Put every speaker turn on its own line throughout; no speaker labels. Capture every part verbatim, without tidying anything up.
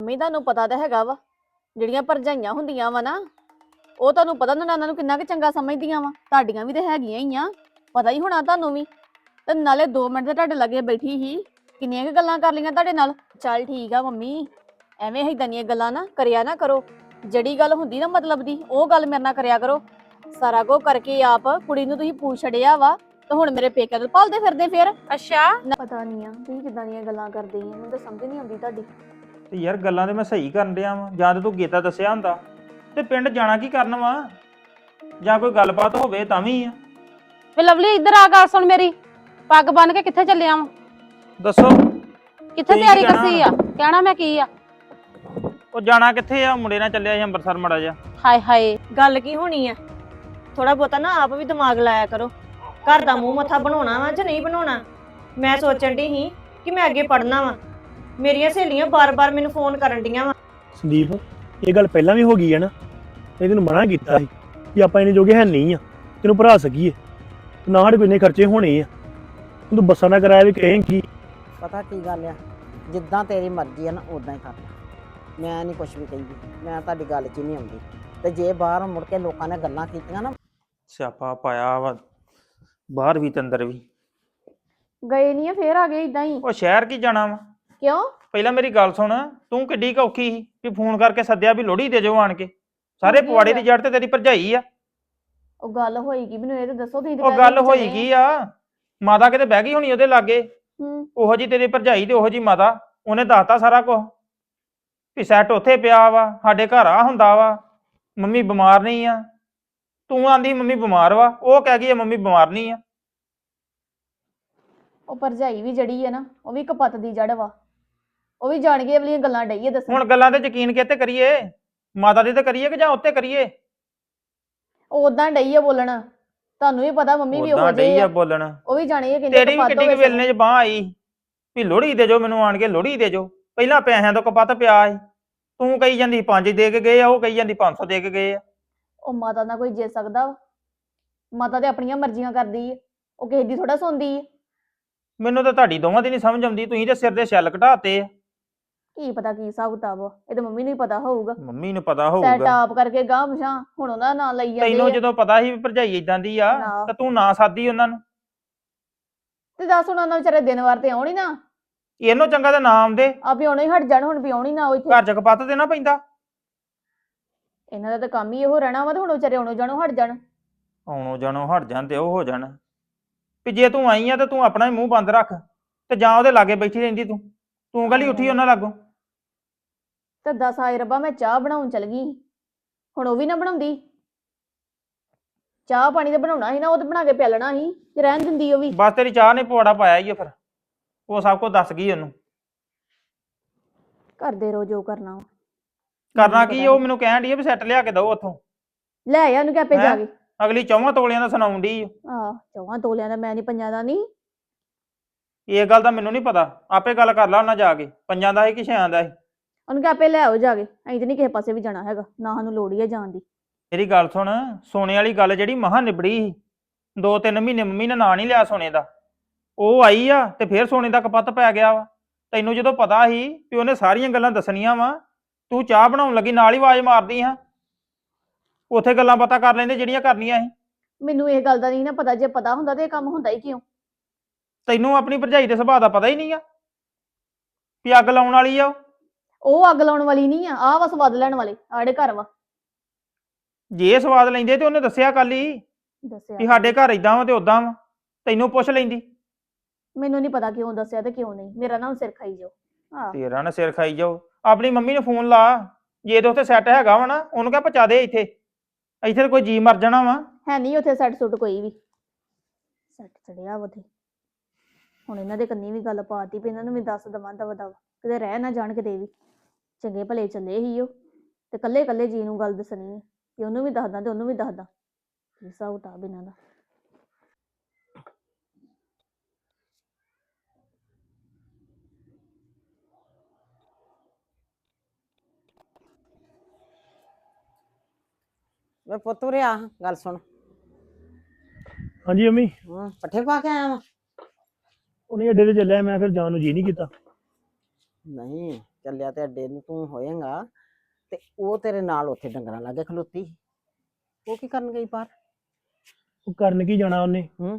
Mummy ਤੁਹਾਨੂੰ ਪਤਾ ਤਾਂ ਹੈਗਾ ਵਾ ਜਿਹੜੀਆਂ ਭਰਜਾਈਆਂ ਹੁੰਦੀਆਂ ਵਾ ਨਾ ਉਹ ਤੁਹਾਨੂੰ ਪਤਾ ਨਨਾਣਾ ਨੂੰ ਕਿੰਨਾ ਕੁ ਚੰਗਾ ਸਮਝਦੀਆਂ ਵਾ। ਤੁਹਾਡੀਆਂ ਵੀ ਤੇ ਹੈਗੀਆਂ ਹੀ ਆ, ਪਤਾ ਹੀ ਹੋਣਾ ਤੁਹਾਨੂੰ ਵੀ। ਤੇ ਨਾਲੇ ਦੋ ਮਿੰਟ ਤੇ ਤੁਹਾਡੇ ਲੱਗੇ ਬੈਠੀ ਸੀ, ਕਿੰਨੀਆਂ ਕੁ ਗੱਲਾਂ ਕਰ ਲਈਆਂ ਤੁਹਾਡੇ ਨਾਲ। ਚੱਲ ਠੀਕ ਆ ਮੰਮੀ, ਐਵੇਂ ਏਦਾਂ ਦੀਆਂ ਗੱਲਾਂ ਨਾ ਕਰਿਆ ਨਾ ਕਰੋ। ਜਿਹੜੀ ਗੱਲ ਹੁੰਦੀ ਨਾ ਮਤਲਬ ਦੀ ਉਹ ਗੱਲ ਮੇਰੇ ਨਾਲ ਕਰਿਆ ਕਰੋ। ਸਾਰਾ ਕੁਝ ਕਰਕੇ ਆਪ ਕੁੜੀ ਨੂੰ ਤੁਸੀਂ ਪੁੱਛ ਛੜਿਆ ਵਾ ਤੇ ਹੁਣ ਮੇਰੇ ਪੇਕਿਆਂ ਨੂੰ ਭਾਲਦੇ ਫਿਰਦੇ ਫਿਰ।
ਅੱਛਾ
ਪਤਾ ਨਹੀਂ ਆ ਤੁਸੀਂ ਕਿੱਦਾਂ ਦੀਆਂ ਗੱਲਾਂ ਕਰਦੇ ਆ, ਮੈਨੂੰ ਤਾਂ ਸਮਝ ਨਹੀਂ ਆਉਂਦੀ ਤੁਹਾਡੀ।
ਤੇ ਯਾਰ ਗੱਲਾਂ ਤੇ ਮੈਂ ਸਹੀ ਕਰਨ ਡਿਆ ਵਾਂ। ਜਾਂ ਤੇ ਤੂੰ ਗੀਤਾ ਦੱਸਿਆ ਹੁੰਦਾ ਤੇ ਪਿੰਡ ਜਾਣਾ ਕੀ ਕਰਨ ਵਾ, ਜਾਂ ਕੋਈ ਗੱਲਬਾਤ ਹੋਵੇ ਤਾਂ ਵੀ ਆ।
ਵੇ ਲਵਲੀ ਇੱਧਰ ਆ, ਗੱਲ ਸੁਣ ਮੇਰੀ। ਪੱਗ ਬੰਨ ਕੇ ਕਿੱਥੇ ਚੱਲਿਆ ਵਾਂ?
ਦੱਸੋ
ਕਿੱਥੇ
ਤੁਸੀਂ
ਤਿਆਰੀ
ਕੀ ਕਹਿਣਾ
ਕਰਦੀ ਆ? ਕਹਿਣਾ ਮੈਂ ਕੀ ਆ?
ਉਹ ਜਾਣਾ ਕਿੱਥੇ ਆ, ਮੁੰਡੇ ਨਾਲ ਚੱਲਿਆ ਸੀ ਅੰਮ੍ਰਿਤਸਰ ਮੜਾ ਜਾ।
ਹਾਏ ਹਾਏ,
ਗੱਲ ਕੀ ਹੋਣੀ ਆ? ਥੋੜਾ ਬਹੁਤਾ ਨਾ ਆਪ ਵੀ ਦਿਮਾਗ ਲਾਇਆ ਕਰੋ। ਘਰ ਦਾ ਮੂੰਹ ਮੱਥਾ ਬਣਾਉਣਾ ਵਾ ਜਾਂ ਨਹੀਂ ਬਣਾਉਣਾ? ਮੈਂ ਸੋਚਣ ਦੀ ਸੀ ਕਿ ਮੈਂ ਅੱਗੇ ਪੜ੍ਹਨਾ ਵਾ। ਮੇਰੀਆਂ ਸਹੇਲੀਆਂ ਬਾਰ-ਬਾਰ ਮੈਨੂੰ ਫੋਨ ਕਰਨ ਡੀਆਂ ਵਾ।
ਸੰਦੀਪ, ਇਹ ਗੱਲ ਪਹਿਲਾਂ ਵੀ ਹੋ ਗਈ ਹੈ ਨਾ, ਇਹ ਤੈਨੂੰ ਮਨਾ ਕੀਤਾ ਸੀ ਕਿ ਆਪਾਂ ਇਹਨੇ ਜੋਗੇ ਹੈ ਨਹੀਂ ਆ ਤੈਨੂੰ ਭਰਾ ਸਕੀਏ, ਨਾ ਸਾਡੇ ਕੋਈ ਇੰਨੇ ਖਰਚੇ ਹੋਣੇ ਆ। ਤੂੰ ਬੱਸਾਂ ਦਾ ਕਿਰਾਇਆ ਵੀ ਕਹੇਂਗੀ।
ਪਤਾ ਕੀ ਗੱਲ ਆ, ਜਿੱਦਾਂ ਤੇਰੀ ਮਰਜ਼ੀ ਆ ਨਾ ਉਦਾਂ ਹੀ ਕਰ ਲੈ। ਮੈਂ ਨਹੀਂ ਕੁਝ ਵੀ ਕਹਿੰਦੀ, ਮੈਂ ਤੁਹਾਡੀ ਗੱਲ 'ਚ ਨਹੀਂ ਆਉਂਦੀ। ਤੇ ਜੇ ਬਾਹਰ ਮੁੜ ਕੇ ਲੋਕਾਂ ਨੇ ਗੱਲਾਂ ਕੀਤੀਆਂ ਨਾ,
ਸਿਆਪਾ ਪਾਇਆ ਵਾ ਬਾਹਰ ਵੀ ਤੇ ਅੰਦਰ ਵੀ।
ਗਏ ਨਹੀਂ ਆ ਫੇਰ ਆ ਗਏ ਇਦਾਂ ਹੀ?
ਉਹ ਸ਼ਹਿਰ ਕੀ ਜਾਣਾ ਵਾ?
ਕਿਉਂ?
ਪਹਿਲਾਂ ਮੇਰੀ ਗੱਲ ਸੁਣ, ਤੂੰ ਕਿੱਡੀ ਕੁ ਔਖੀ ਸੀ ਵੀ ਫੋਨ ਕਰਕੇ ਸੱਦਿਆ ਵੀ ਲੋਹੜੀ ਦੇ ਜਾਓ ਆਣ ਕੇ। ਸਾਰੇ ਪਵਾੜੇ ਦੀ ਜੜ ਤੇ ਤੇਰੀ ਭਰਜਾਈ ਆ।
ਉਹ ਗੱਲ ਹੋਈ ਕੀ ਮੈਨੂੰ ਇਹ ਤਾਂ ਦੱਸੋ ਤੁਸੀਂ।
ਉਹ ਗੱਲ ਹੋਈ ਕੀ ਆ, ਮਾਤਾ ਕਿਤੇ ਬਹਿ ਗਈ ਹੋਣੀ ਉਹਦੇ ਲਾਗੇ।
ਹੂੰ,
ਉਹੋ ਜੀ ਤੇਰੀ ਭਰਜਾਈ ਤੇ ਉਹੋ ਜੀ ਮਾਤਾ, ਉਹਨੇ ਦੱਸਤਾ ਸਾਰਾ ਕੁਝ ਵੀ ਸੈੱਟ ਉੱਥੇ ਪਿਆ ਵਾ, ਸਾਡੇ ਘਰ ਆ ਹੁੰਦਾ ਵਾ, ਮੰਮੀ ਬਿਮਾਰ ਨਹੀਂ ਆ। ਤੂੰ ਆਂਦੀ ਮੰਮੀ ਬਿਮਾਰ ਵਾ, ਉਹ ਕਹਿ ਗਈ ਮੰਮੀ ਬਿਮਾਰ ਨਹੀਂ ਆ।
ਉਹ ਭਰਜਾਈ ਵੀ ਜੜੀ ਆ ਨਾ, ਉਹ ਵੀ ਕਪੱਤ ਦੀ ਜੜ ਵਾ। ਉਹ ਵੀ ਜਾਣ ਕੇ ਵਾਲੀਆਂ ਗੱਲਾਂ ਡਈ ਆ ਦੱਸਣ।
ਹੁਣ ਗੱਲਾਂ ਤੇ ਯਕੀਨ ਕਿਤੇ ਕਰੀਏ, ਮਾਤਾ ਦੇ ਤੇ ਕਰੀਏ ਕਿ ਜਾਂ ਉੱਤੇ ਕਰੀਏ?
ਉਹ ਉਦਾਂ ਡਈ ਆ ਬੋਲਣ, ਤੁਹਾਨੂੰ ਵੀ ਪਤਾ ਮੰਮੀ ਵੀ ਉਹ
ਉਦਾਂ ਡਈ
ਜਿਹੇ
ਆ
ਆ।
ਬੋਲਣ।
ਉਹ ਵੀ ਜਾਣੀ ਆ ਕਿੰਨੇ
ਤੇਰੀ ਵੀ
ਕਪੱਤ
ਕਿੱਡੀ
ਹੋਏ
ਕੁ ਵੇਲਣੇ ਚ ਬਾਹ ਆਈ ਵੀ ਲੋਹੜੀ ਦੇ ਜੋ ਮੈਨੂੰ ਆਣ ਕੇ, ਲੋਹੜੀ ਦੇ ਜੋ। ਪਹਿਲਾਂ ਪੈਸਿਆਂ ਤੋਂ ਕਪੱਤ ਪਿਆ ਸੀ, ਤੂੰ ਕਹੀ ਜਾਂਦੀ ਪੰਜ ਦੇ ਕੇ ਗਏ ਆ, ਉਹ ਕਹੀ ਜਾਂਦੀ ਪੰਜ ਸੌ ਦੇ ਕੇ ਗਏ ਆ।
ਉਹ ਮਾਤਾ ਨਾਲ ਕੋਈ ਜਿੱਤ ਸਕਦਾ ਵਾ? ਮਾਤਾ ਤੇ ਆਪਣੀਆਂ ਮਰਜ਼ੀਆਂ ਕਰਦੀ ਆ, ਉਹ ਕਿਸੇ ਦੀ ਥੋੜਾ ਸੁਣਦੀ ਆ।
ਮੈਨੂੰ ਤਾਂ ਤੁਹਾਡੀ ਦੋਵਾਂ ਦੀ ਨਹੀਂ ਸਮਝ ਆਉਂਦੀ, ਤੁਸੀਂ ਤੇ ਸਿਰ ਦੇ ਛੱਲ ਘਟਾਤੇ ਆ।
ਕੀ ਪਤਾ ਕੀ ਹਿਸਾਬ ਕਿਤਾਬ ਵਾ, ਇਹ ਤਾਂ ਮੰਮੀ ਨੂੰ ਹੀ ਪਤਾ ਹੋਊਗਾ।
ਮੰਮੀ ਨੂੰ ਪਤਾ
ਸੈਟ
ਹੋਊਗਾ।
ਆਪ ਕਰਕੇ ਗਾਹ ਮਸ਼ਾਂ ਹੁਣ ਉਹਨਾਂ ਦਾ ਨਾਂ ਲਈ ਜਾਂਦੇ
ਤੈਨੂੰ
ਆ।
ਜਦੋਂ ਪਤਾ ਸੀ ਵੀ ਭਰਜਾਈ ਇਦਾਂ ਦੀ ਆ
ਨਾ।
ਤਾਂ ਤੂੰ ਨਾ ਸਾਦੀ ਉਹਨਾਂ ਨੂੰ।
ਤੇ ਦੱਸ ਹੁਣ ਉਹਨਾਂ ਵਿਚਾਰੇ ਦਿਨ ਵਾਰ ਤੇ ਆਉਣੀ ਨਾ,
ਇਹਨੂੰ ਚੰਗਾ ਤਾਂ ਨਾ ਆਉਂਦੇ,
ਆ ਵੀ ਆਉਣੇ ਹੀ ਹਟ ਜਾਣ। ਹੁਣ ਵੀ ਆਉਣੀ ਨਾ ਉਹ ਇੱਥੇ।
ਘਰ ਚ ਕਪੱਤ ਦੇਣਾ ਪੈਂਦਾ।
ਇਹਨਾਂ ਦਾ ਤਾਂ ਕੰਮ ਹੀ ਇਹੋ ਰਹਿਣਾ ਵਾ, ਤੇ ਹੁਣ ਵਿਚਾਰੇ ਆਉਣੋਂ ਜਾਣੋਂ ਹਟ ਜਾਣ।
ਆਉਣੋਂ ਜਾਣੋਂ ਹਟ ਜਾਣ ਤੇ ਉਹ ਹੋ ਜਾਣ ਵੀ ਜੇ ਤੂੰ ਆਈ ਆ ਤਾਂ ਤੂੰ ਆਪਣਾ ਹੀ ਮੂੰਹ ਬੰਦ ਰੱਖ, ਤੇ ਜਾਂ ਉਹਦੇ ਲਾਗੇ ਬੈਠੀ ਰਹਿੰਦੀ। ਤੂੰ ਤੂੰ ਗਲੀ ਉੱਠੀ ਉਹਨਾਂ ਲਾਗੋਂ।
ਤੇ ਦੱਸ ਆਏ ਰੱਬਾ, ਮੈਂ ਚਾਹ ਬਣਾਉਣ ਚਲ ਗਈ, ਹੁਣ ਉਹ ਵੀ ਨਾ ਬਣਾਉਂਦੀ। ਚਾਹ ਪਾਣੀ ਤਾਂ ਬਣਾਉਣਾ ਸੀ ਨਾ, ਉਹ ਤਾਂ ਬਣਾ ਕੇ ਪਿਆਲਣਾ ਸੀ, ਤੇ ਰਹਿਣ ਦਿੰਦੀ ਉਹ ਵੀ।
ਬਸ ਤੇਰੀ ਚਾਹ ਨੇ ਪਵਾੜਾ ਪਾਇਆ ਹੀ ਆ, ਫਿਰ ਉਹ ਸਭ ਕੁਝ ਦੱਸ ਗਈ ਉਹਨੂੰ।
ਕਰਦੇ ਰਹੋ ਜੋ ਕਰਨਾ ਵਾ।
ਕਰਨਾ ਕੀ, ਉਹ ਮੈਨੂੰ ਕਹਿਣ ਡਈ ਆ ਵੀ ਸੈੱਟ ਲਿਆ ਕੇ ਦਓ ਉੱਥੋਂ।
ਲੈ ਆ ਉਹਨੂੰ ਕਿ ਆਪੇ ਜਾ ਕੇ।
ਅਗਲੀ ਚੌਵਾਂ ਤੋਲਿਆਂ ਦਾ ਸੁਣਾਉਣ ਡਈ ਆ।
ਆਹ ਚੌਵਾਂ ਤੋਲਿਆਂ ਦਾ, ਮੈਂ ਨਹੀਂ ਪੰਜਾਂ ਦਾ ਨਹੀਂ।
ਇਹ ਗੱਲ ਦਾ ਮੈਨੂੰ ਨਹੀਂ ਪਤਾ, ਆਪੇ ਗੱਲ ਕਰ ਲਾ ਉਹਨਾਂ ਜਾ ਕੇ, ਪੰਜਾਂ ਦਾ ਸੀ ਕਿ ਛਿਆਂ ਦਾ ਸੀ।
ਉਹਨੂੰ ਕਿ ਆਪੇ ਲੈ ਆਓ ਜਾ ਕੇ, ਅਸੀਂ ਤੇ ਨਹੀਂ ਕਿਸੇ ਪਾਸੇ ਵੀ ਜਾਣਾ ਹੈਗਾ, ਨਾ ਸਾਨੂੰ ਲੋੜ ਹੀ ਆ ਜਾਣ ਦੀ।
ਮੇਰੀ ਗੱਲ ਸੁਣ, ਸੋਨੇ ਵਾਲੀ ਗੱਲ ਜਿਹੜੀ ਮਹਾਂ ਨਿਬੜੀ ਸੀ, ਦੋ ਤਿੰਨ ਮਹੀਨੇ ਮੰਮੀ ਨੇ ਨਾਂ ਨਹੀਂ ਲਿਆ ਸੋਨੇ ਦਾ। ਉਹ ਆਈ ਆ ਤੇ ਫੇਰ ਸੋਨੇ ਦਾ ਕਪੱਤ ਪੈ ਗਿਆ ਵਾ। ਤੈਨੂੰ ਜਦੋਂ ਪਤਾ ਸੀ ਵੀ ਉਹਨੇ ਸਾਰੀਆਂ ਗੱਲਾਂ ਦੱਸਣੀਆਂ ਵਾ, ਤੂੰ ਚਾਹ ਬਣਾਉਣ ਲੱਗੀ ਨਾਲ ਹੀ ਆਵਾਜ਼ ਮਾਰਦੀ ਹਾਂ। ਉੱਥੇ ਗੱਲਾਂ ਬਾਤਾਂ ਕਰ ਲੈਂਦੇ ਜਿਹੜੀਆਂ ਕਰਨੀਆਂ ਸੀ।
ਮੈਨੂੰ ਇਹ ਗੱਲ ਦਾ ਨਹੀਂ ਨਾ ਪਤਾ, ਜੇ ਪਤਾ ਹੁੰਦਾ ਤੇ ਇਹ ਕੰਮ ਹੁੰਦਾ ਹੀ ਕਿਉਂ?
ਤੈਨੂੰ ਆਪਣੀ ਭਰਜਾਈ ਦੇ ਸੁਭਾਅ ਦਾ ਪਤਾ ਹੀ ਨਹੀਂ ਆ ਵੀ ਅੱਗ ਲਾਉਣ ਵਾਲੀ ਆ ਉਹ।
ਉਹ ਅੱਗ ਲਾਉਣ ਵਾਲੀ ਨਹੀਂ ਆ, ਆਹ ਵਾ ਸਵਾਦ ਲੈਣ ਵਾਲੇ ਆੜੇ ਘਰ ਵਾ।
ਜੇ ਸਵਾਦ ਲੈਂਦੇ ਤੇ ਉਹਨੇ ਦੱਸਿਆ ਕੱਲ ਹੀ ਵੀ
ਦੱਸਿਆ
ਸਾਡੇ ਘਰ ਇਦਾਂ ਵਾ ਤੇ ਉਦਾਂ ਵਾ, ਤੈਨੂੰ ਪੁੱਛ ਲੈਂਦੀ।
ਮੈਨੂੰ ਨਹੀਂ ਪਤਾ ਕਿਉਂ ਦੱਸਿਆ ਤੇ ਕਿਉਂ ਨਹੀਂ, ਮੇਰਾ ਨਾ ਸਿਰ ਖਾਈ ਜਾਓ। ਆਹ
ਤੇਰਾ ਨਾ ਸਿਰ ਖਾਈ ਜਾਓ। ਆਪਣੀ ਮੰਮੀ ਨੂੰ ਫੋਨ ਲਾ, ਜੇ ਤੇ ਉੱਥੇ ਸੈੱਟ ਹੈਗਾ ਵਾ ਨਾ, ਉਹਨੂੰ ਕਹਿ ਪਹੁੰਚਾ ਦੇ ਇੱਥੇ। ਇੱਥੇ ਤਾਂ ਕੋਈ ਜੀ ਮਰ ਜਾਣਾ ਵਾ।
ਹੈ ਨਹੀਂ ਉੱਥੇ ਸੈੱਟ ਸੁੱਟ ਕੋਈ ਵੀ। ਸੈੱਟ ਚੜਿਆ ਵਾ ਉੱਥੇ। ਹੁਣ ਇਹਨਾਂ ਦੇ ਕੰਨੀ ਵੀ ਗੱਲ ਪਾਤੀ ਵੀ ਇਹਨਾਂ ਨੂੰ ਵੀ ਦੱਸ ਦਵਾਂ ਦਵਾ ਦਵਾ, ਕਿਤੇ ਰਹਿ ਨਾ ਜਾਣ ਕਿਤੇ ਵੀ। ਚੰਗੇ ਭਲੇ ਚੱਲੇ ਹੀ ਉਹ, ਤੇ ਕੱਲੇ ਕੱਲੇ ਜੀ ਨੂੰ ਗੱਲ ਦੱਸਣੀ ਹੈ ਕਿ ਉਹਨੂੰ ਵੀ ਦੱਸਦਾ ਤੇ ਉਹਨੂੰ ਵੀ ਦੱਸਦਾ। ਕੀ ਹਿਸਾਬ ਕਿਤਾਬ ਇਹਨਾਂ ਦਾ।
ਵੇ ਪੁੱਤ ਉਰੇ ਆ, ਗੱਲ ਸੁਣ।
ਹਾਂਜੀ ਮੰਮੀ,
ਹਾਂ, ਪੱਠੇ ਪਾ ਕੇ ਆਇਆ ਵਾ?
ਉਹਨੇ ਅੱਡੇ ਤੇ ਚੱਲਿਆ, ਮੈਂ ਫਿਰ ਜਾਣ ਨੂੰ ਜੀ ਨਹੀਂ ਕੀਤਾ।
ਨਹੀਂ, ਚੱਲਿਆ ਤੇ ਅੱਡੇ ਨੂੰ ਤੂੰ ਹੋਏਗਾ ਤੇ ਉਹ ਤੇਰੇ ਨਾਲ ਉੱਥੇ ਡੰਗਰਾਂ ਲਾਗੇ ਖਲੋਤੀ ਸੀ। ਉਹ ਕੀ ਕਰਨ ਗਈ ਬਾਹਰ?
ਉਹ ਕਰਨ ਕੀ ਜਾਣਾ ਉਹਨੇ?
ਹੂੰ।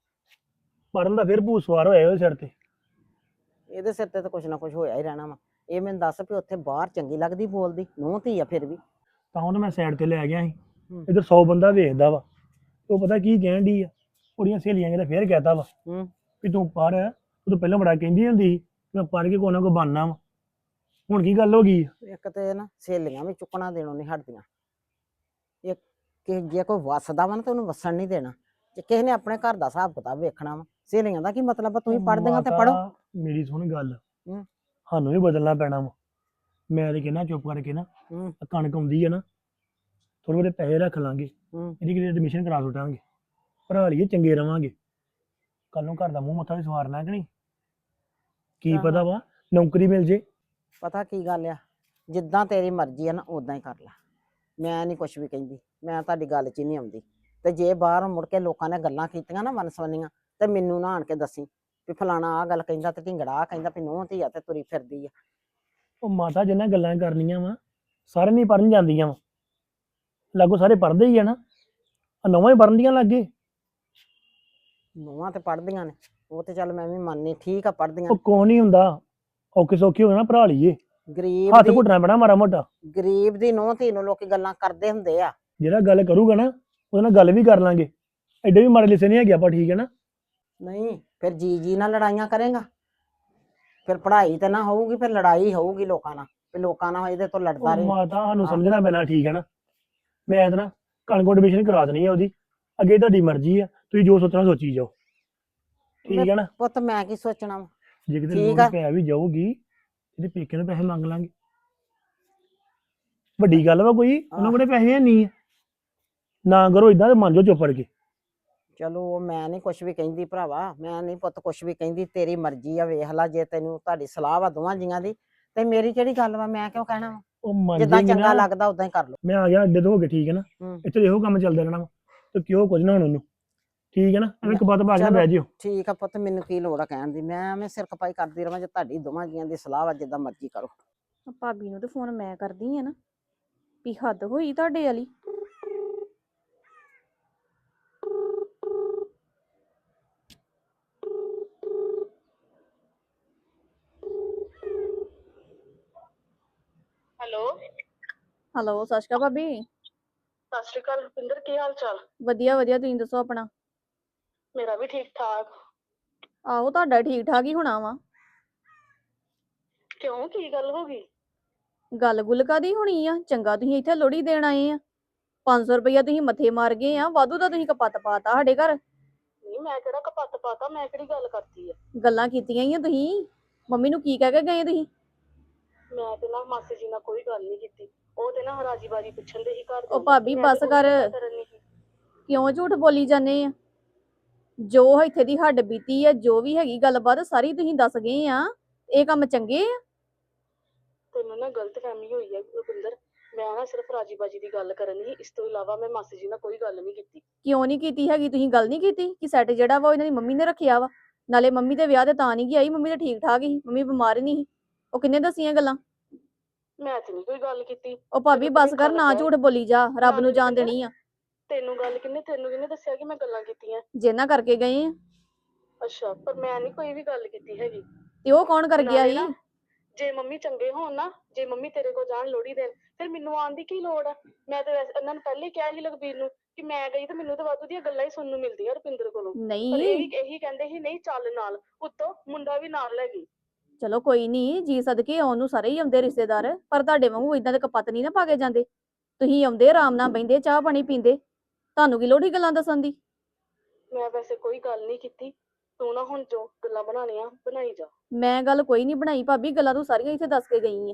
ਪੜਨ ਦਾ ਫਿਰ ਭੂਤ ਸਵਾਰ ਹੋਇਆ ਉਹਦੇ ਸਿਰ ਤੇ।
ਇਹਦੇ ਸਿਰ ਤੇ ਤਾਂ ਕੁਛ ਨਾ ਕੁਛ ਹੋਇਆ ਹੀ ਰਹਿਣਾ ਵਾ। ਇਹ ਮੈਨੂੰ ਦੱਸ ਵੀ ਉੱਥੇ ਬਾਹਰ ਚੰਗੀ ਲੱਗਦੀ ਬੋਲਦੀ, ਨੂੰਹ ਧੀ ਆ ਫਿਰ ਵੀ।
ਤਾਂ ਉਹਨੂੰ ਮੈਂ ਸਾਈਡ ਤੇ ਲੈ ਗਿਆ ਸੀ।
ਹੂੰ।
ਇੱਧਰ ਸੌ ਬੰਦਾ ਵੇਖਦਾ ਵਾ। ਉਹ ਪਤਾ ਕੀ ਕਹਿਣ ਡਈ ਆ, ਉਹਦੀਆਂ ਸਹੇਲੀਆਂ ਕਹਿੰਦਾ ਫੇਰ ਕਹਿਤਾ ਵਾ
ਹੂੰ।
ਵੀ ਤੂੰ ਪੜ੍ਹ, ਉਹ ਤੋਂ ਪਹਿਲਾਂ ਬੜਾ ਕਹਿੰਦੀ ਹੁੰਦੀ ਸੀ ਮੈਂ ਪੜ੍ਹ ਕੇ ਕੋਈ ਨਾ ਕੋਈ ਬਣਨਾ ਵਾ। ਹੁਣ ਕੀ ਗੱਲ ਹੋ ਗਈ ਆ?
ਇੱਕ ਤੇ ਨਾ ਸਹੇਲੀਆਂ ਵੀ ਚੁੱਕਣਾ ਦੇਣੋਂ ਨਹੀਂ ਹਟਦੀਆਂ। ਇੱਕ ਕਿ ਜੇ ਕੋਈ ਵਸਦਾ ਵਾ ਨਾ ਤਾਂ ਉਹਨੂੰ ਵਸਣ ਨਹੀਂ ਦੇਣਾ। ਜੇ ਕਿਸੇ ਨੇ ਆਪਣੇ ਘਰ ਦਾ ਹਿਸਾਬ ਕਿਤਾਬ ਵੇਖਣਾ ਵਾ, ਸਹੇਲੀਆਂ ਦਾ ਕੀ ਮਤਲਬ ਆ? ਤੁਸੀਂ ਪੜ੍ਹਦੀਆਂ ਤੇ ਪੜ੍ਹੋ।
ਮਾਤਾ, ਮੇਰੀ ਸੁਣ ਗੱਲ।
ਹੂੰ।
ਸਾਨੂੰ ਵੀ ਬਦਲਣਾ ਪੈਣਾ ਵਾ। ਮੈਂ ਤੇ ਕਹਿੰਦਾ ਚੁੱਪ ਕਰਕੇ ਨਾ
ਹੂੰ।
ਆਹ ਕਣਕ ਆਉਂਦੀ ਆ ਨਾ, ਥੋੜੇ ਬਹੁਤੇ ਪੈਸੇ ਰੱਖ ਲਾਂਗੇ,
ਹੂੰ।
ਇਹਦੀ ਕਿਤੇ ਐਡਮਿਸ਼ਨ ਕਰਾ ਸੁੱਟਾਂਗੇ, ਪੜ੍ਹਾ ਲਈਏ, ਚੰਗੇ ਰਵਾਂਗੇ। ਕੱਲ ਨੂੰ ਘਰ ਦਾ ਮੂੰਹ ਮੱਥਾ ਵੀ ਸਵਾਰਨਾ ਕਿ ਨਹੀਂ? ਕੀ
ਆਹੋ।
ਪਤਾ ਵਾ ਨੌਕਰੀ ਮਿਲ ਜੇ।
ਪਤਾ ਕੀ ਗੱਲ ਆ, ਜਿੱਦਾਂ ਤੇਰੀ ਮਰਜ਼ੀ ਆ ਨਾ ਉਦਾਂ ਹੀ ਕਰ ਲੈ। ਮੈਂ ਨਹੀਂ ਕੁਛ ਵੀ ਕਹਿੰਦੀ, ਮੈਂ ਤੁਹਾਡੀ ਗੱਲ 'ਚ ਹੀ ਨਹੀਂ ਆਉਂਦੀ। ਤੇ ਜੇ ਬਾਹਰ ਮੁੜ ਕੇ ਲੋਕਾਂ ਨੇ ਗੱਲਾਂ ਕੀਤੀਆਂ ਨਾ ਵਨਸਵੰਨੀਆਂ, ਤੇ ਮੈਨੂੰ ਨਾ ਆਣ ਕੇ ਦੱਸੀ ਵੀ ਫਲਾਣਾ ਆਹ ਗੱਲ ਕਹਿੰਦਾ ਤੇ ਢਿੰਗੜਾ ਆਹ ਕਹਿੰਦਾ ਵੀ ਨੂੰਹ ਧੀ ਆ ਤੇ ਤੁਰੀ ਫਿਰਦੀ ਆ।
ਉਹ ਮਾਤਾ ਜਿੰਨਾਂ ਗੱਲਾਂ ਕਰਨੀਆਂ ਵਾ ਸਾਰੇ ਨਹੀਂ ਪੜ੍ਹਨ ਜਾਂਦੀਆਂ ਵਾ। ਲਾਗੋ ਸਾਰੇ ਪੜ੍ਹਦੇ ਹੀ ਆ ਨਾ, ਆ ਨਵਾਂ ਹੀ ਪੜ੍ਹਨ ਦੀਆਂ ਲੱਗੇ।
ਨੂੰਹਾਂ ਤੇ ਪੜ੍ਹਦੀਆਂ ਨੇ, ਉਹ ਤੇ ਚੱਲ ਮੈਂ ਵੀ ਮੰਨਨੀ, ਠੀਕ ਆ ਪੜ੍ਹਦੀਆਂ
ਉਹ ਕੋ ਨਹੀਂ ਹੁੰਦਾ, ਔਖੇ ਸੌਖੇ ਹੋ ਨਾ ਪੜ੍ਹਾ ਲਈਏ।
ਗਰੀਬ
ਹੱਥ
ਦੀ
ਘੁੱਟਣਾ ਪੈਣਾ ਮਾੜਾ ਮੋਟਾ।
ਗਰੀਬ ਦੀ ਨੂੰਹ ਧੀ ਨੂੰ ਲੋਕੀ ਗੱਲਾਂ ਕਰਦੇ ਹੁੰਦੇ ਆ।
ਜਿਹੜਾ ਗੱਲ ਕਰੂਗਾ ਨਾ ਉਹਦੇ ਨਾਲ ਗੱਲ ਵੀ ਕਰ ਲਾਂਗੇ। ਐਡੇ ਵੀ ਮਾੜੇ ਲਿਸੇ ਨਹੀਂ ਹੈਗੇ ਆਪਾਂ, ਠੀਕ ਹੈ ਨਾ?
ਨਹੀਂ ਫਿਰ ਜੀ ਜੀ ਨਾਲ ਲੜਾਈਆਂ ਕਰੇਗਾ, ਫਿਰ ਪੜ੍ਹਾਈ ਤੇ ਨਾ ਹੋਊਗੀ, ਫਿਰ ਲੜਾਈ ਹੋਊਗੀ ਲੋਕਾਂ ਨਾਲ, ਵੀ ਲੋਕਾਂ ਨਾਲ ਇਹਦੇ ਤੋਂ ਲੜਦਾ
ਉਹ
ਰਹੇ।
ਮਾਤਾ ਸਾਨੂੰ ਸਮਝਣਾ ਪੈਣਾ, ਠੀਕ ਹੈ ਨਾ? ਮੈਂ ਤਾਂ ਨਾ ਕਣਕ ਐਡਮਿਸ਼ਨ ਕਰਾ ਦੇਣੀ ਹੈ ਉਹਦੀ, ਅੱਗੇ ਤੁਹਾਡੀ ਮਰਜ਼ੀ ਆ, ਤੁਸੀਂ ਜੋ ਸੋਚਣਾ ਸੋਚੀ ਜਾਓ, ਠੀਕ ਹੈ ਨਾ?
ਪੁੱਤ ਮੈਂ ਕੀ ਸੋਚਣਾ ਵਾ।
ਜੇ ਕਿਤੇ
ਠੀਕ
ਲੋੜ
ਆ।
ਪੈ ਵੀ ਜਾਊਗੀ ਇਹਦੇ ਪੇਕੇ ਨੂੰ ਪੈਸੇ ਮੰਗ ਲਾਂਗੇ। ਵੱਡੀ ਗੱਲ ਵਾ ਕੋਈ? ਉਹਨਾਂ ਕੋਲੇ ਪੈਸੇ ਹੈ ਨਹੀਂ ਆ। ਨਾ ਕਰੋ ਇਦਾਂ ਤੇ ਮੰਨ ਜਾਓ ਚੁੱਪ ਕਰਕੇ।
ਚਲੋ ਮੈਂ ਨਹੀਂ ਕੁਛ ਵੀ ਕਹਿੰਦੀ ਭਰਾਵਾ, ਮੈਂ ਨਹੀਂ ਪੁੱਤ ਕੁਛ ਵੀ ਕਹਿੰਦੀ, ਤੇਰੀ ਮਰਜ਼ੀ ਆ, ਵੇਖ ਲਾ। ਜੇ ਤੈਨੂੰ ਤੁਹਾਡੀ ਸਲਾਹ ਵਾ ਦੋਵਾਂ ਜੀਆਂ ਦੀ ਤੇ ਮੇਰੀ ਕਿਹੜੀ ਗੱਲ ਵਾ, ਮੈਂ ਕਿਉਂ ਕਹਿਣਾ ਵਾ?
ਉਹ ਮੰਨ
ਜਿੱਦਾਂ
ਜਾਏਗੀ
ਚੰਗਾ
ਨਾ।
ਲੱਗਦਾ ਉਦਾਂ ਹੀ ਕਰ ਲਓ।
ਮੈਂ ਆ ਗਿਆ ਅੱਡੇ ਤੋਂ ਹੋ ਕੇ, ਠੀਕ ਹੈ ਨਾ?
ਹੂੰ।
ਇੱਥੇ ਇਹੋ ਕੰਮ ਚੱਲਦਾ ਰਹਿਣਾ ਵਾ ਤੇ ਕਿਉਂ ਕੁਝ ਨਾ ਹੋਣ ਉਹਨੂੰ, ਠੀਕ ਹੈ ਨਾ? ਐਵੇਂ ਕਪੱਤ ਪਾ ਕੇ ਨਾ
ਚਲੋ।
ਬਹਿ ਜਿਓ।
ਠੀਕ ਆ ਪੁੱਤ, ਮੈਨੂੰ ਕੀ ਲੋੜ ਆ ਕਹਿਣ ਦੀ, ਮੈਂ ਐਵੇਂ ਸਿਰ ਖਪਾਈ ਕਰਦੀ ਰਵਾਂ? ਜੇ ਤੁਹਾਡੀ ਦੋਵਾਂ ਜੀਆਂ ਦੀ ਸਲਾਹ ਵਾ, ਜਿੱਦਾਂ ਮਰਜ਼ੀ ਕਰੋ।
ਭਾਬੀ ਨੂੰ ਤੇ ਫੋਨ ਮੈਂ ਕਰਦੀ ਆ ਨਾ, ਵੀ ਹੱਦ ਹੋਈ ਤੁਹਾਡੇ ਵਾਲੀ।
ਹੈਲੋ।
ਹੈਲੋ, ਸਤਿ ਸ਼੍ਰੀ ਅਕਾਲ ਭਾਬੀ।
ਸਤਿ ਸ਼੍ਰੀ ਅਕਾਲ ਰੁਪਿੰਦਰ, ਕੀ ਹਾਲ ਚਾਲ?
ਵਧੀਆ ਵਧੀਆ, ਤੁਸੀਂ ਦੱਸੋ ਆਪਣਾ।
ਮੇਰਾ ਵੀ ਠੀਕ ਠਾਕ।
ਆਹੋ, ਤੁਹਾਡਾ ਠੀਕ ਠਾਕ ਹੀ ਹੋਣਾ ਵਾ।
ਕਿਉਂ, ਕੀ ਗੱਲ ਹੋ ਗਈ?
ਗੱਲ ਗੁੱਲ ਕਾਦੀ ਹੋਣੀ ਆ? ਚੰਗਾ ਤੁਸੀਂ ਇੱਥੇ ਲੋਹੜੀ ਦੇਣ ਆਏ ਆ, ਪੰਜ ਸੌ ਰੁਪਇਆ ਤੁਸੀਂ ਮੱਥੇ ਮਾਰ ਗਏ ਆ, ਵਾਧੂ ਦਾ ਤੁਸੀਂ ਕਪੱਤ ਪਾਤਾ ਸਾਡੇ ਘਰ।
ਨਹੀਂ, ਮੈਂ ਕਿਹੜਾ ਕਪੱਤ ਪਾਤਾ, ਮੈਂ ਕਿਹੜੀ ਗੱਲ ਕਰਤੀ ਆ?
ਗੱਲਾਂ ਕੀਤੀਆਂ ਹੀ ਆ ਤੁਸੀਂ। ਮੰਮੀ ਨੂੰ ਕੀ ਕਹਿ ਕੇ ਗਏ ਤੁਸੀਂ?
ਮੈਂ ਤੇ ਨਾ ਮਾਸੀ ਜੀ ਨਾਲ ਕੋਈ ਗੱਲ ਨਹੀਂ ਕੀਤੀ, ਉਹ ਤੇ ਨਾ ਰਾਜੀ ਬਾਜੀ ਪੁੱਛਣ ਦੇ ਹੀ ਘਰ ਦੇ
ਉਹ ਭਾਬੀ
ਮੈਂ ਤੇ
ਬਸ
ਕੋਈ
ਕਰ।
ਗੱਲ ਕਰਨ ਨੀ ਸੀ।
ਕਿਉਂ ਝੂਠ ਬੋਲੀ ਜਾਂਦੇ ਆ? ਜੋ ਇੱਥੇ ਦੀ ਹੱਡ ਬੀਤੀ ਆ, ਜੋ ਵੀ ਹੈਗੀ ਗੱਲਬਾਤ ਸਾਰੀ ਤੁਸੀਂ ਦੱਸ ਗਏ ਆ। ਇਹ ਕੰਮ ਚੰਗੇ ਆ?
ਤੈਨੂੰ ਨਾ ਗਲਤ ਫਹਿਮੀ ਹੋਈ ਆ ਰੁਪਿੰਦਰ, ਮੈਂ ਨਾ ਸਿਰਫ ਰਾਜੀ ਬਾਜੀ ਦੀ ਗੱਲ ਕਰਨ ਸੀ, ਇਸ ਤੋਂ ਇਲਾਵਾ ਮੈਂ ਮਾਸੀ ਜੀ ਨਾਲ ਕੋਈ ਗੱਲ ਨਹੀਂ ਕੀਤੀ।
ਕਿਉਂ ਨਹੀਂ ਕੀਤੀ ਹੈਗੀ? ਤੁਸੀਂ ਗੱਲ ਨਹੀਂ ਕੀਤੀ ਕਿ ਸੈੱਟ ਜਿਹੜਾ ਵਾ ਉਹ ਇਹਨਾਂ ਦੀ ਮੰਮੀ ਨੇ ਰੱਖਿਆ ਵਾ? ਨਾਲੇ ਮੰਮੀ ਦੇ ਵਿਆਹ ਤੇ ਤਾਂ ਨਹੀਂ ਗਈ ਆਈ, ਮੰਮੀ ਤਾਂ ਠੀਕ ਠਾਕ ਹੀ, ਮੰਮੀ ਬਿਮਾਰ ਨਹੀਂ ਸੀ। ਉਹ ਕਿੰਨੇ ਦੱਸੀਆਂ ਗੱਲਾਂ?
ਮੈਂ ਤੇ ਨਹੀਂ ਕੋਈ ਗੱਲ ਕੀਤੀ।
ਉਹ ਭਾਬੀ ਬਸ ਕਰ, ਨਾ ਝੂਠ ਬੋਲੀ ਜਾ, ਰੱਬ ਨੂੰ ਜਾਣ ਦੇਣੀ ਆ।
ਤੈਨੂੰ ਗੱਲ ਕਿੰਨੇ ਤੈਨੂੰ ਕਿਹਨੇ ਦੱਸਿਆ ਕਿ ਮੈਂ ਗੱਲਾਂ ਕੀਤੀਆਂ?
ਜਿੰਨਾ ਕਰਕੇ ਗਏ ਆ।
ਅੱਛਾ, ਪਰ ਮੈਂ ਨਹੀਂ ਕੋਈ ਵੀ ਗੱਲ ਕੀਤੀ ਹੈਗੀ।
ਤੇ ਉਹ ਕੌਣ ਕਰ ਗਿਆ
ਨਾਲੇ
ਸੀ?
ਨਾ, ਜੇ ਮੰਮੀ ਚੰਗੇ ਹੋਣ ਨਾ, ਜੇ ਮੰਮੀ ਤੇਰੇ ਕੋਲ ਜਾਣ ਲੋਹੜੀ ਦੇਣ, ਫਿਰ ਮੈਨੂੰ ਆਉਣ ਦੀ ਕੀ ਲੋੜ ਆ? ਮੈਂ ਤੇ ਵੈਸੇ ਇਹਨਾਂ ਨੂੰ ਪਹਿਲੇ ਹੀ ਕਿਹਾ ਸੀ ਲਖਬੀਰ ਨੂੰ ਕਿ ਮੈਂ ਗਈ ਤੇ ਮੈਨੂੰ ਤਾਂ ਵਾਧੂ ਦੀਆਂ ਗੱਲਾਂ ਹੀ ਸੁਣਨ ਨੂੰ ਮਿਲਦੀਆਂ ਰੁਪਿੰਦਰ ਕੋਲੋਂ। ਪਰ ਇਹ
ਨਹੀਂ
ਵੀ ਇਹੀ ਕਹਿੰਦੇ ਸੀ ਨਹੀਂ ਚੱਲ ਨਾਲ, ਉੱਤੋਂ ਮੁੰਡਾ ਵੀ ਨਾਲ ਲੈ ਗਈ।
ਚਲੋ ਕੋਈ ਨਹੀਂ, ਜੀ ਸਦਕੇ ਆਉਣ ਨੂੰ ਸਾਰੇ ਹੀ ਆਉਂਦੇ ਰਿਸ਼ਤੇਦਾਰ, ਪਰ ਤੁਹਾਡੇ ਵਾਂਗੂ ਇਦਾਂ ਦੇ ਕਪੱਤ ਨਹੀਂ ਨਾ ਪਾ ਕੇ ਜਾਂਦੇ। ਤੁਸੀਂ ਆਉਂਦੇ ਆਰਾਮ ਨਾਲ ਬਹਿੰਦੇ, ਚਾਹ ਪਾਣੀ ਪੀਂਦੇ, ਤੁਹਾਨੂੰ ਕੀ ਲੋੜ ਸੀ ਗੱਲਾਂ ਦੱਸਣ ਦੀ?
ਮੈਂ ਵੈਸੇ ਕੋਈ ਗੱਲ ਨਹੀਂ ਕੀਤੀ, ਤੂੰ ਨਾ ਹੁਣ ਜੋ ਗੱਲਾਂ ਬਣਾਉਣੀਆਂ ਬਣਾਈ ਜਾ।
ਮੈਂ ਗੱਲ ਕੋਈ ਨਹੀਂ ਬਣਾਈ ਭਾਬੀ, ਗੱਲਾਂ ਤੂੰ ਸਾਰੀਆਂ ਇੱਥੇ ਦੱਸ ਕੇ ਗਈ ਆ।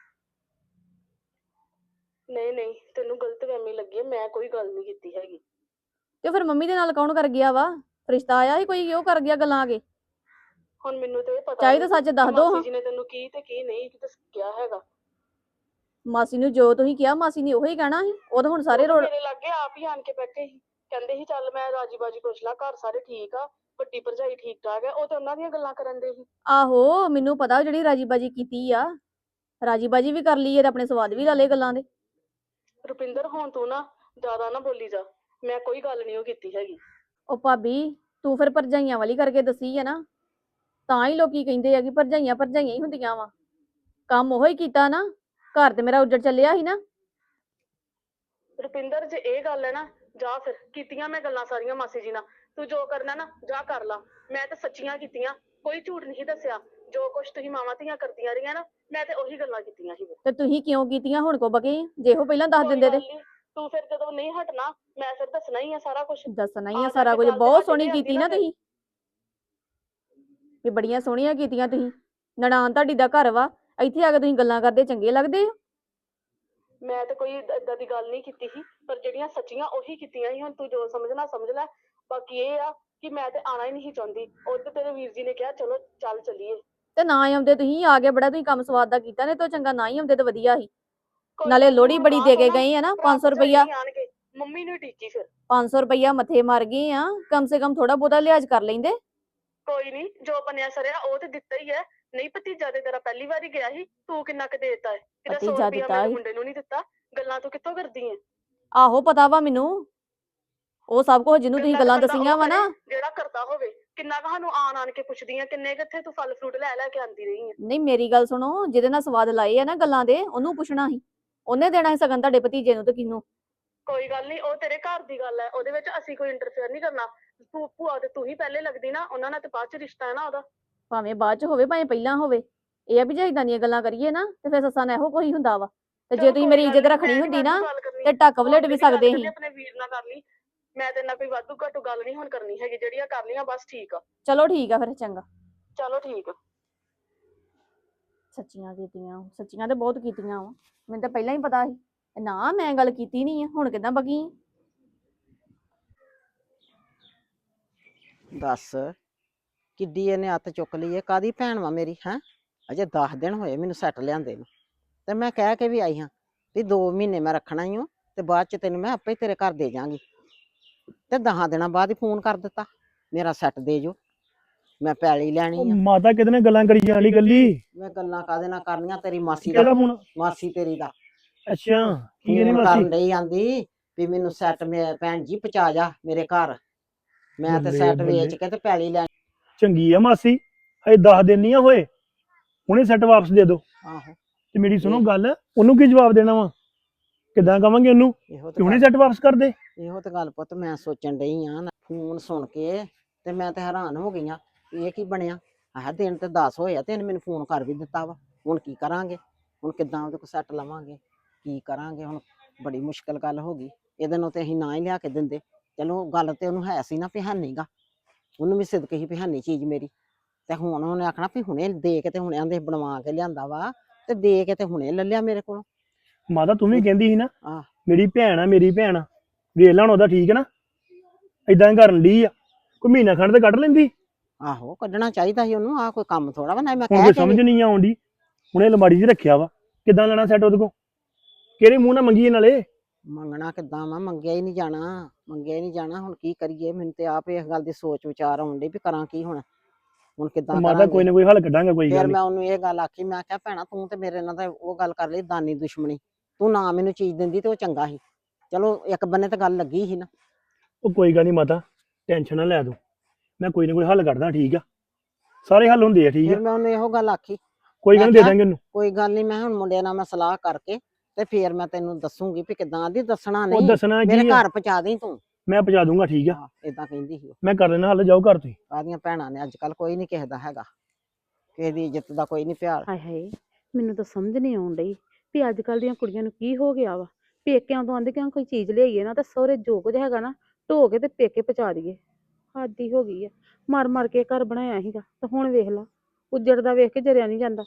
ਨਹੀਂ ਨਹੀਂ, ਤੈਨੂੰ ਗਲਤ ਫਹਿਮੀ ਲੱਗੀ ਹੈ, ਮੈਂ ਕੋਈ ਗੱਲ ਨਹੀਂ ਕੀਤੀ ਹੈਗੀ।
ਤੇ ਫਿਰ ਮੰਮੀ ਦੇ ਨਾਲ ਕੌਣ ਕਰ ਗਿਆ ਵਾ? ਰਿਸ਼ਤਾ ਆਇਆ ਸੀ ਕੋਈ, ਉਹ ਕਰ ਗਿਆ ਗੱਲਾਂ ਆ ਕੇ?
ਹੁਣ ਮੈਨੂੰ ਤੇ ਇਹ ਪਤਾ
ਚਾਹੀ ਤਾਂ
ਨੀ
ਸੱਚ
ਕਿ
ਦੱਸ ਦੋ ਹਾਂ।
ਮਾਸੀ ਜੀ ਨੇ ਤੈਨੂੰ ਕੀ ਤੇ ਕੀ ਨਹੀਂ ਦੱਸਿਆ ਹੈਗਾ।
ਮਾਸੀ ਨੂੰ ਜੋ ਤੁਸੀਂ ਕਿਹਾ ਮਾਸੀ ਨੇ ਉਹੀ ਕਹਿਣਾ ਸੀ, ਉਹ ਤਾਂ ਹੁਣ ਸਾਰੇ
ਉਹ ਤਾਂ
ਰੋਡ।
ਮੇਰੇ ਲਾਗੇ ਆਪ ਹੀ ਆਣ ਕੇ ਬੈਠੇ ਸੀ, ਕਹਿੰਦੇ ਸੀ ਚੱਲ ਮੈਂ ਰਾਜੀ ਬਾਜੀ ਪੁੱਛ ਲਾ, ਘਰ ਸਾਰੇ ਠੀਕ ਆ, ਵੱਡੀ ਭਰਜਾਈ ਠੀਕ ਠਾਕ ਆ, ਉਹ ਤਾਂ ਉਹਨਾਂ ਦੀਆਂ ਗੱਲਾਂ ਕਰਨ ਦੇ ਸੀ।
ਆਹੋ ਮੈਨੂੰ ਪਤਾ ਜਿਹੜੀ ਰਾਜੀ ਬਾਜੀ ਕੀਤੀ ਆ, ਰਾਜੀ ਬਾਜੀ ਵੀ ਕਰ ਲਈਏ ਤੇ ਆਪਣੇ ਸਵਾਦ ਵੀ ਲਾ ਲਏ ਗੱਲਾਂ ਦੇ।
ਰੁਪਿੰਦਰ ਹੁਣ ਤੂੰ ਨਾ ਜ਼ਿਆਦਾ ਨਾ ਬੋਲੀ ਜਾ, ਮੈਂ ਕੋਈ ਗੱਲ ਨਹੀਂ ਉਹ ਕੀਤੀ ਹੈਗੀ।
ਉਹ ਭਾਬੀ ਤੂੰ ਫਿਰ ਭਰਜਾਈਆਂ ਵਾਲੀ ਕਰਕੇ ਦੱਸੀ ਹੈ ਨਾ, ਤਾਂ ਹੀ ਲੋਕੀ ਕਹਿੰਦੇ ਆ ਕਿ ਭਰਜਾਈਆਂ ਭਰਜਾਈਆਂ ਹੀ ਹੁੰਦੀਆਂ ਵਾ। ਕੰਮ ਉਹੋ ਹੀ ਕੀਤਾ ਨਾ, ਘਰ ਤੇ ਮੇਰਾ ਉੱਜੜ ਚੱਲਿਆ ਸੀ ਨਾ।
ਰੁਪਿੰਦਰ ਜੇ ਇਹ ਗੱਲ ਹੈ ਨਾ, ਜਾ ਫਿਰ ਕੀਤੀਆਂ ਮੈਂ ਗੱਲਾਂ ਸਾਰੀਆਂ ਮਾਸੀ ਜੀ ਨਾਲ। ਤੂੰ ਜੋ ਕਰਨਾ ਨਾ ਜਾ ਕਰ ਲਾ, ਮੈਂ ਤਾਂ ਸੱਚੀਆਂ ਕੀਤੀਆਂ, ਕੋਈ ਝੂਠ ਨਹੀਂ ਦੱਸਿਆ। ਜੋ ਕੁਛ ਤੁਸੀਂ ਮਾਵਾਂ ਧੀਆਂ ਕਰਦੀਆਂ ਰਹੀਆਂ ਨਾ, ਮੈਂ ਤੇ ਉਹੀ ਗੱਲਾਂ ਕੀਤੀਆਂ ਸੀ।
ਤੇ ਤੁਸੀਂ ਕਿਉਂ ਕੀਤੀਆਂ ਹੁਣ ਕੋ ਬਕੇ? ਜੇ ਉਹ ਪਹਿਲਾਂ ਦੱਸ
ਕੋਈ
ਦਿੰਦੇ
ਗੱਲ
ਤੇ।
ਨੀ, ਤੂੰ ਫਿਰ ਜਦੋਂ ਨਹੀਂ ਹਟਣਾ ਮੈਂ ਫਿਰ ਦੱਸਣਾ ਹੀ ਆ ਸਾਰਾ ਕੁਝ।
ਦੱਸਣਾ ਹੀ
ਆ
ਆ
ਜਾ
ਸਾਰਾ
ਕੇ
ਕੁਝ।
ਗੱਲ ਤੇ
ਬਹੁਤ
ਸਾਡੇ
ਸੋਹਣੀ
ਤੇ ਆਉਂਦੀ
ਕੀਤੀ
ਨਾ
ਨਾ
ਫਿਰ।
ਤੁਸੀਂ, ਵੀ ਬੜੀਆਂ ਸੋਹਣੀਆਂ ਕੀਤੀਆਂ ਤੁਸੀਂ। ਨਨਾਣ ਤੁਹਾਡੀ ਦਾ ਘਰ ਵਾ, ਇੱਥੇ ਆ ਕੇ ਤੁਸੀਂ ਗੱਲਾਂ ਕਰਦੇ ਚੰਗੇ ਲੱਗਦੇ ਹੋ।
ਮੈਂ ਤਾਂ ਕੋਈ ਏਦਾਂ ਦੀ ਗੱਲ ਨਹੀਂ ਕੀਤੀ ਸੀ, ਪਰ ਜਿਹੜੀਆਂ ਸੱਚੀਆਂ ਉਹੀ ਕੀਤੀਆਂ ਸੀ। ਹੁਣ ਤੂੰ ਜੋ ਸਮਝਣਾ ਸਮਝ ਲੈ। ਬਾਕੀ ਇਹ ਆ ਕਿ ਮੈਂ ਤੇ ਆਣਾ ਹੀ ਨਹੀਂ ਚਾਹੁੰਦੀ। ਉਹ ਤੇ ਤੇਰੇ ਵੀਰ ਜੀ ਨੇ ਕਿਹਾ ਚਲੋ ਚੱਲ ਚੱਲੀਏ।
ਤੇ ਨਾ ਆਉਂਦੇ ਤੁਸੀਂ, ਆ ਕੇ ਬੜਾ ਤੁਸੀਂ ਕੰਮ ਸਵਾਦ ਦਾ ਕੀਤਾ, ਨੇ ਤੋਂ ਚੰਗਾ ਨਾ ਹੀ ਆਉਂਦੇ ਤੇ ਵਧੀਆ ਸੀ।
ਕੋਈ
ਨਾਲੇ
ਗੱਲ ਨੀ,
ਲੋਹੜੀ
ਹੁਣ
ਬੜੀ
ਗਾਂਹ
ਦੇ
ਤੋਂ
ਕੇ
ਨਾ
ਗਏ ਆ ਨਾ,
ਭਰਾ
ਪੰਜ ਸੌ
ਭਰਜਾਈ
ਰੁਪਈਆ
ਨੀ ਆਣਗੇ, ਮੰਮੀ ਨੂੰ ਟੀਚੀ ਫਿਰ।
ਪੰਜ ਸੌ ਰੁਪਈਆ ਮੱਥੇ ਮਾਰ ਗਏ ਆ, ਕਮ ਸੇ ਕਮ ਥੋੜਾ ਬਹੁਤਾ ਲਿਹਾਜ਼ ਕਰ ਲੈਂਦੇ।
ਕੋਈ ਨਹੀਂ, ਜੋ ਬਣਿਆ ਸਰਿਆ ਉਹ ਤੇ ਦਿੱਤਾ ਹੀ ਹੈ। ਨਹੀਂ ਭਤੀਜਾ ਤੇ ਤੇਰਾ ਪਹਿਲੀ ਵਾਰੀ ਗਿਆ ਸੀ, ਤੂੰ ਕਿੰਨਾ ਕੁ ਦੇਤਾ ਹੈ? ਕਿਤੇ ਸੌ
ਭਤੀਜਾ
ਰੁਪਇਆ
ਦਿੱਤਾ
ਮੇਰੇ
ਸੀ।
ਮੁੰਡੇ ਨੂੰ ਨਹੀਂ ਦਿੱਤਾ। ਗੱਲਾਂ ਤੂੰ ਕਿੱਥੋਂ ਕਰਦੀ ਹੈ?
ਆਹੋ ਪਤਾ ਵਾ ਮੈਨੂੰ, ਉਹ ਸਭ ਕੁਝ ਜਿਹਨੂੰ ਤੁਸੀਂ
ਗੱਲਾਂ ਤੇ
ਗੱਲਾਂ
ਬੰਦਾ
ਦੱਸੀਆਂ
ਉਹ
ਵਾ ਨਾ।
ਕਰੇ ਜਿਹੜਾ ਕਰਦਾ ਹੋਵੇ। ਕਿੰਨਾ ਕੁ ਸਾਨੂੰ ਆਣ ਆਣ ਕੇ ਪੁੱਛਦੀਆਂ, ਕਿੰਨੇ ਕਿੱਥੇ ਤੂੰ ਫਲ ਫਰੂਟ ਲੈ ਲੈ ਕੇ ਆਂਦੀ ਰਹੀ ਹੈ।
ਨਹੀਂ ਮੇਰੀ ਗੱਲ ਸੁਣੋ, ਜਿਹਦੇ ਨਾਲ ਸਵਾਦ ਲਾਏ ਆ ਨਾ ਗੱਲਾਂ ਦੇ, ਉਹਨੂੰ ਪੁੱਛਣਾ ਸੀ। ਉਹਨੇ ਦੇਣਾ ਸੀ ਸਗਨ ਤੁਹਾਡੇ ਭਤੀਜੇ ਨੂੰ ਤੇ ਕਿਹਨੂੰ।
ਕੋਈ ਗੱਲ ਨਹੀਂ, ਉਹ ਤੇਰੇ ਘਰ ਦੀ ਗੱਲ ਹੈ, ਉਹਦੇ ਵਿੱਚ ਅਸੀਂ ਕੋਈ ਇੰਟਰਫੇਅਰ ਨਹੀਂ ਕਰਨਾ। ਤੂੰ ਭੂਆ ਤੇ ਤੂੰ ਹੀ ਪਹਿਲੇ ਲੱਗਦੀ ਨਾ, ਉਹਨਾਂ ਨਾਲ ਤੇ ਬਾਅਦ ਚ ਰਿਸ਼ਤਾ ਹੈ ਨਾ ਉਹਦਾ।
ਭਾਵੇਂ ਬਾਅਦ ਚ ਹੋਵੇ ਭਾਵੇਂ ਪਹਿਲਾਂ ਹੋਵੇ, ਇਹ ਆ ਵੀ ਜੇ ਇਦਾਂ ਦੀਆਂ ਗੱਲਾਂ ਕਰੀਏ ਨਾ ਤੇ ਫਿਰ ਸੱਸਾਂ ਨਾਲ ਇਹੋ ਕੋਈ ਹੁੰਦਾ ਵਾ। ਤੇ ਜੇ
ਚਲੋ
ਤੁਸੀਂ
ਕੋਈ
ਮੇਰੀ
ਗੱਲ
ਇੱਜ਼ਤ
ਨੀ,
ਰੱਖਣੀ
ਮੈਂ ਨੀ
ਹੁੰਦੀ ਨਾ
ਵਾਧੂ ਗੱਲ ਕਰਨੀ।
ਤੇ ਢੱਕ ਵਲੇਟ
ਹੁਣ
ਵੀ
ਜਿਹੜੀ ਗੱਲ
ਸਕਦੇ
ਕਰਨੀ
ਸੀ।
ਆਪਣੇ ਵੀਰ ਨਾਲ ਕਰ ਲਈ। ਮੈਂ ਤੇ ਨਾਲ ਕੋਈ ਵਾਧੂ ਘੱਟੂ ਗੱਲ ਨਹੀਂ ਹੁਣ ਕਰਨੀ ਹੈਗੀ, ਜਿਹੜੀਆਂ ਕਰ ਲਈਆਂ ਬਸ ਠੀਕ ਆ।
ਚਲੋ ਠੀਕ ਆ ਫਿਰ, ਚੰਗਾ।
ਚਲੋ ਠੀਕ ਆ।
ਸੱਚੀਆਂ ਕੀਤੀਆਂ, ਸੱਚੀਆਂ ਤੇ ਬਹੁਤ ਕੀਤੀਆਂ ਵਾ। ਮੈਨੂੰ ਤਾਂ ਪਹਿਲਾਂ ਹੀ ਪਤਾ ਸੀ। ਨਾ ਮੈਂ ਗੱਲ ਕੀਤੀ ਨਹੀਂ ਆ, ਹੁਣ ਕਿੱਦਾਂ ਬਗੀ?
ਦੱਸ ਕਿੱਡੀ ਇਹਨੇ ਅੱਤ ਚੁੱਕ ਲਈ ਹੈ। ਕਾਦੀ ਭੈਣ ਵਾ ਮੇਰੀ ਹੈ? ਅਜੇ ਦਸ ਦਿਨ ਹੋਏ ਮੈਨੂੰ ਸੈੱਟ ਲਿਆਂਦੇ ਨੂੰ, ਤੇ ਮੈਂ ਕਹਿ ਕੇ ਵੀ ਆਈ ਹਾਂ ਵੀ ਦੋ ਮਹੀਨੇ ਮੈਂ ਰੱਖਣਾ ਹੀ ਹਾਂ, ਤੇ ਬਾਅਦ ਚ ਤੈਨੂੰ ਮੈਂ ਆਪੇ ਤੇਰੇ ਘਰ ਦੇ ਜਾਵਾਂਗੀ। ਤੇ ਦਸਾਂ ਦਿਨਾਂ ਬਾਅਦ ਹੀ ਫੋਨ ਕਰ ਦਿੱਤਾ ਮੇਰਾ ਸੈੱਟ ਦੇ ਜੋ, ਮੈਂ ਪੈਲੀ ਲੈਣੀ
ਉਹ
ਆ।
ਮਾਤਾ ਕਿਹਦੇ ਨਾਲ ਗੱਲਾਂ ਕਰੀ ਜਾਣੀ ਗੱਲੀ?
ਮੈਂ ਗੱਲਾਂ ਕਾਹਦੇ ਨਾਲ ਕਰਨੀਆਂ, ਤੇਰੀ ਮਾਸੀ ਦਾ,
ਕਿਹੜਾ ਫੋਨ?
ਮਾਸੀ ਤੇਰੀ ਦਾ
ਅੱਛਾ, ਕੀ ਕਹਿੰਦੀ
ਫੋਨ
ਮਾਸੀ?
ਕਰਨ ਡਈ ਆਂਦੀ ਵੀ ਮੈਨੂੰ ਸੈੱਟ ਮੇ ਭੈਣ ਜੀ ਪਹੁੰਚਾ ਜਾ ਮੇਰੇ ਘਰ, ਮੈਂ ਤੇ
ਬੱਲੇ
ਸੈੱਟ
ਬੱਲੇ।
ਵੇਚ ਕੇ ਤੇ ਪੈਲੀ ਲੈ।
ਚੰਗੀ ਆ ਮਾਸੀ, ਹਜੇ ਦਸ ਦਿਨ ਨਹੀਂ ਆ ਹੋਏ, ਹੁਣੇ ਸੈੱਟ ਵਾਪਸ ਦੇ ਦੋ।
ਆਹੋ
ਤੇ ਮੇਰੀ ਸੁਣੋ ਗੱਲ, ਉਹਨੂੰ ਕੀ ਜਵਾਬ ਦੇਣਾ ਵਾ? ਕਿੱਦਾਂ ਕਵਾਂਗੇ ਉਹਨੂੰ
ਇਹੋ
ਕਿ
ਤੇ
ਹੁਣੇ
ਗੱਲ,
ਸੈੱਟ ਵਾਪਸ ਕਰ ਦੇ?
ਇਹੋ ਤੇ ਗੱਲ ਪੁੱਤ ਮੈਂ ਸੋਚਣ ਡਈ ਆ। ਫੋਨ ਸੁਣ ਕੇ ਤੇ ਮੈਂ ਤੇ ਹੈਰਾਨ ਹੋ ਗਈ ਆ, ਇਹ ਕੀ ਬਣਿਆ। ਆਹ ਦਿਨ ਤੇ ਦਸ ਹੋਏ ਆ ਤੇ ਇਹਨੇ ਮੈਨੂੰ ਫੋਨ ਕਰ ਵੀ ਦਿੱਤਾ ਵਾ। ਹੁਣ ਕੀ ਕਰਾਂਗੇ, ਹੁਣ ਕਿੱਦਾਂ ਉਹਦੇ ਕੋਲ ਸੈੱਟ ਲਵਾਂਗੇ, ਕੀ ਕਰਾਂਗੇ ਹੁਣ? ਬੜੀ ਮੁਸ਼ਕਲ ਗੱਲ ਹੋ ਗਈ। ਇਹਦੇ ਨੂੰ ਤੇ ਅਸੀਂ ਨਾ ਹੀ ਲਿਆ ਕੇ ਦਿੰਦੇ। ਚਲੋ ਗੱਲ ਤੇ ਉਹਨੂੰ ਹੈ ਸੀ ਨਾ ਵੀ ਹੈਨੀ ਗਾ, ਉਹਨੂੰ ਵੀ ਸਿਦਕ ਸੀ ਵੀ ਹੈਨੀ ਚੀਜ਼ ਮੇਰੀ। ਤੇ ਹੁਣ ਉਹਨੇ ਆਖਣਾ ਵੀ ਹੁਣੇ ਦੇ ਕੇ ਤੇ ਹੁਣੇ ਆਂਦੇ ਬਣਵਾ ਕੇ ਲਿਆਂਦਾ ਵਾ, ਤੇ ਦੇ ਕੇ ਤੇ ਹੁਣੇ ਲੈ ਲਿਆ ਮੇਰੇ ਕੋਲੋਂ।
ਮਾਤਾ ਤੂੰ ਵੀ ਕਹਿੰਦੀ ਸੀ ਨਾ
ਆਹ
ਮੇਰੀ ਭੈਣ ਆ, ਮੇਰੀ ਭੈਣ ਆ, ਵੇਖ ਲਾ ਹੁਣ ਉਹਦਾ, ਠੀਕ ਹੈ ਨਾ? ਏਦਾਂ ਕਰਨ ਡਈ ਆ, ਕੋਈ ਮਹੀਨਾ ਖੰਡ ਤੇ ਕੱਢ ਲੈਂਦੀ।
ਆਹੋ ਕੱਢਣਾ ਚਾਹੀਦਾ ਸੀ ਉਹਨੂੰ, ਆਹ ਕੋਈ ਕੰਮ ਥੋੜਾ ਵਾ। ਨਾ ਮੈਂ
ਹੁਣ
ਕਹਿ
ਕੋਈ
ਕੇ
ਸਮਝ
ਵੀ
ਨਹੀਂ ਆਉਂਦੀ, ਹੁਣੇ ਅਲਮਾਰੀ 'ਚ ਰੱਖਿਆ ਵਾ, ਕਿੱਦਾਂ ਲੈਣਾ ਸੈੱਟ ਉਹਦੇ ਕੋਲ? ਕਿਹੜੇ ਮੂੰਹ ਨਾਲ ਮੰਗੀਏ ਨਾਲੇ?
ਮੰਗਣਾ ਕਿੱਦਾਂ ਵਾ, ਮੰਗਿਆ ਹੀ ਨਹੀਂ ਜਾਣਾ, ਮੰਗਿਆ ਹੀ ਨਹੀਂ ਜਾਣਾ। ਹੁਣ ਕੀ ਕਰੀਏ, ਮੈਨੂੰ ਤੇ ਆਪ ਇਸ ਗੱਲ ਦੀ ਸੋਚ ਵਿਚਾਰ ਆਉਣ ਡਈ ਵੀ ਕਰਾਂ ਕੀ ਹੁਣ, ਹੁਣ ਕਿੱਦਾਂ
ਮਾਤਾ ਕੋਈ
ਕਰਾਂਗੇ।
ਨਾ ਕੋਈ ਹੱਲ ਕੱਢਾਂਗੇ, ਕੋਈ
ਫਿਰ
ਗੱਲ
ਮੈਂ
ਨਹੀਂ।
ਉਹਨੂੰ ਇਹ ਗੱਲ ਆਖੀ, ਮੈਂ ਕਿਹਾ ਭੈਣਾ ਤੂੰ ਤੇ ਮੇਰੇ ਨਾਲ ਤਾਂ ਉਹ ਗੱਲ ਕਰ ਲਈ ਦਾਨੀ ਦੁਸ਼ਮਣੀ, ਤੂੰ ਨਾ ਮੈਨੂੰ ਚੀਜ਼ ਦਿੰਦੀ ਤੇ ਉਹ ਚੰਗਾ ਸੀ। ਚਲੋ ਇੱਕ ਬੰਨੇ ਤਾਂ ਗੱਲ ਲੱਗੀ ਸੀ ਨਾ।
ਉਹ ਕੋਈ ਗੱਲ ਨਹੀਂ ਮਾਤਾ, ਟੈਨਸ਼ਨ ਨਾ ਲੈ ਤੂੰ, ਮੈਂ ਕੋਈ ਨਾ ਕੋਈ ਹੱਲ ਕੱਢਦਾ, ਠੀਕ ਆ? ਸਾਰੇ ਹੱਲ ਹੁੰਦੇ ਆ, ਠੀਕ ਆ?
ਫਿਰ ਮੈਂ ਉਹਨੂੰ ਇਹੋ ਗੱਲ ਆਖੀ,
ਕੋਈ ਗੱਲ
ਮੈਂ
ਨੀ, ਦੇ
ਕਿਹਾ
ਦਾਂਗੇ ਉਹਨੂੰ।
ਕੋਈ ਗੱਲ ਨਹੀਂ, ਮੈਂ ਹੁਣ ਮੁੰਡਿਆਂ ਨਾਲ ਮੈਂ ਸਲਾਹ ਕਰਕੇ ਤੇ ਫਿਰ ਮੈਂ ਤੈਨੂੰ ਦੱਸੂਗੀ ਵੀ ਕਿੱਦਾਂ ਦੀ। ਦੱਸਣਾ
ਉਹ
ਨਹੀਂ,
ਦੱਸਣਾ
ਮੇਰੇ
ਕੀ ਆ,
ਘਰ ਪਹੁੰਚਾ ਦੇਈਂ ਤੂੰ।
ਮੈਂ ਪਹੁੰਚਾ ਦੂੰਗਾ, ਠੀਕ ਆ?
ਹਾਂ ਏਦਾਂ ਕਹਿੰਦੀ ਸੀ ਉਹ।
ਮੈਂ ਕਰ ਲੈਣਾ ਹੱਲ, ਜਾਓ ਘਰ ਤੁਸੀਂ।
ਕਾਹਦੀਆਂ ਭੈਣਾਂ ਨੇ ਅੱਜ ਕੱਲ, ਕੋਈ ਨਹੀਂ ਕਿਸੇ ਦਾ ਹੈਗਾ, ਕਿਸੇ ਦੀ ਇੱਜ਼ਤ ਦਾ ਕੋਈ ਨਹੀਂ ਪਿਆਰ।
ਹਾਏ ਹਾਏ, ਮੈਨੂੰ ਤਾਂ ਸਮਝ ਨਹੀਂ ਆਉਣ ਡਈ ਵੀ ਅੱਜ ਕੱਲ ਦੀਆਂ ਕੁੜੀਆਂ ਨੂੰ ਕੀ ਹੋ ਗਿਆ ਵਾ। ਪੇਕਿਆਂ ਤੋਂ ਆਂਦੇ ਕਿ ਕੋਈ ਚੀਜ਼ ਲਿਆਈਏ ਨਾ, ਤਾਂ ਸਹੁਰੇ ਜੋ ਕੁਝ ਹੈਗਾ ਨਾ ਢੋ ਕੇ ਤੇ ਪੇਕੇ ਪਹੁੰਚਾ ਦਈਏ। ਹੱਦ ਹੀ ਹੋ ਗਈ ਆ, ਮਰ ਮਰ ਕੇ ਘਰ ਬਣਾਇਆ ਸੀਗਾ ਤੇ ਹੁਣ ਵੇਖ ਲਾ, ਉੱਜੜਦਾ ਵੇਖ ਕੇ ਜਰਿਆ ਨਹੀਂ ਜਾਂਦਾ।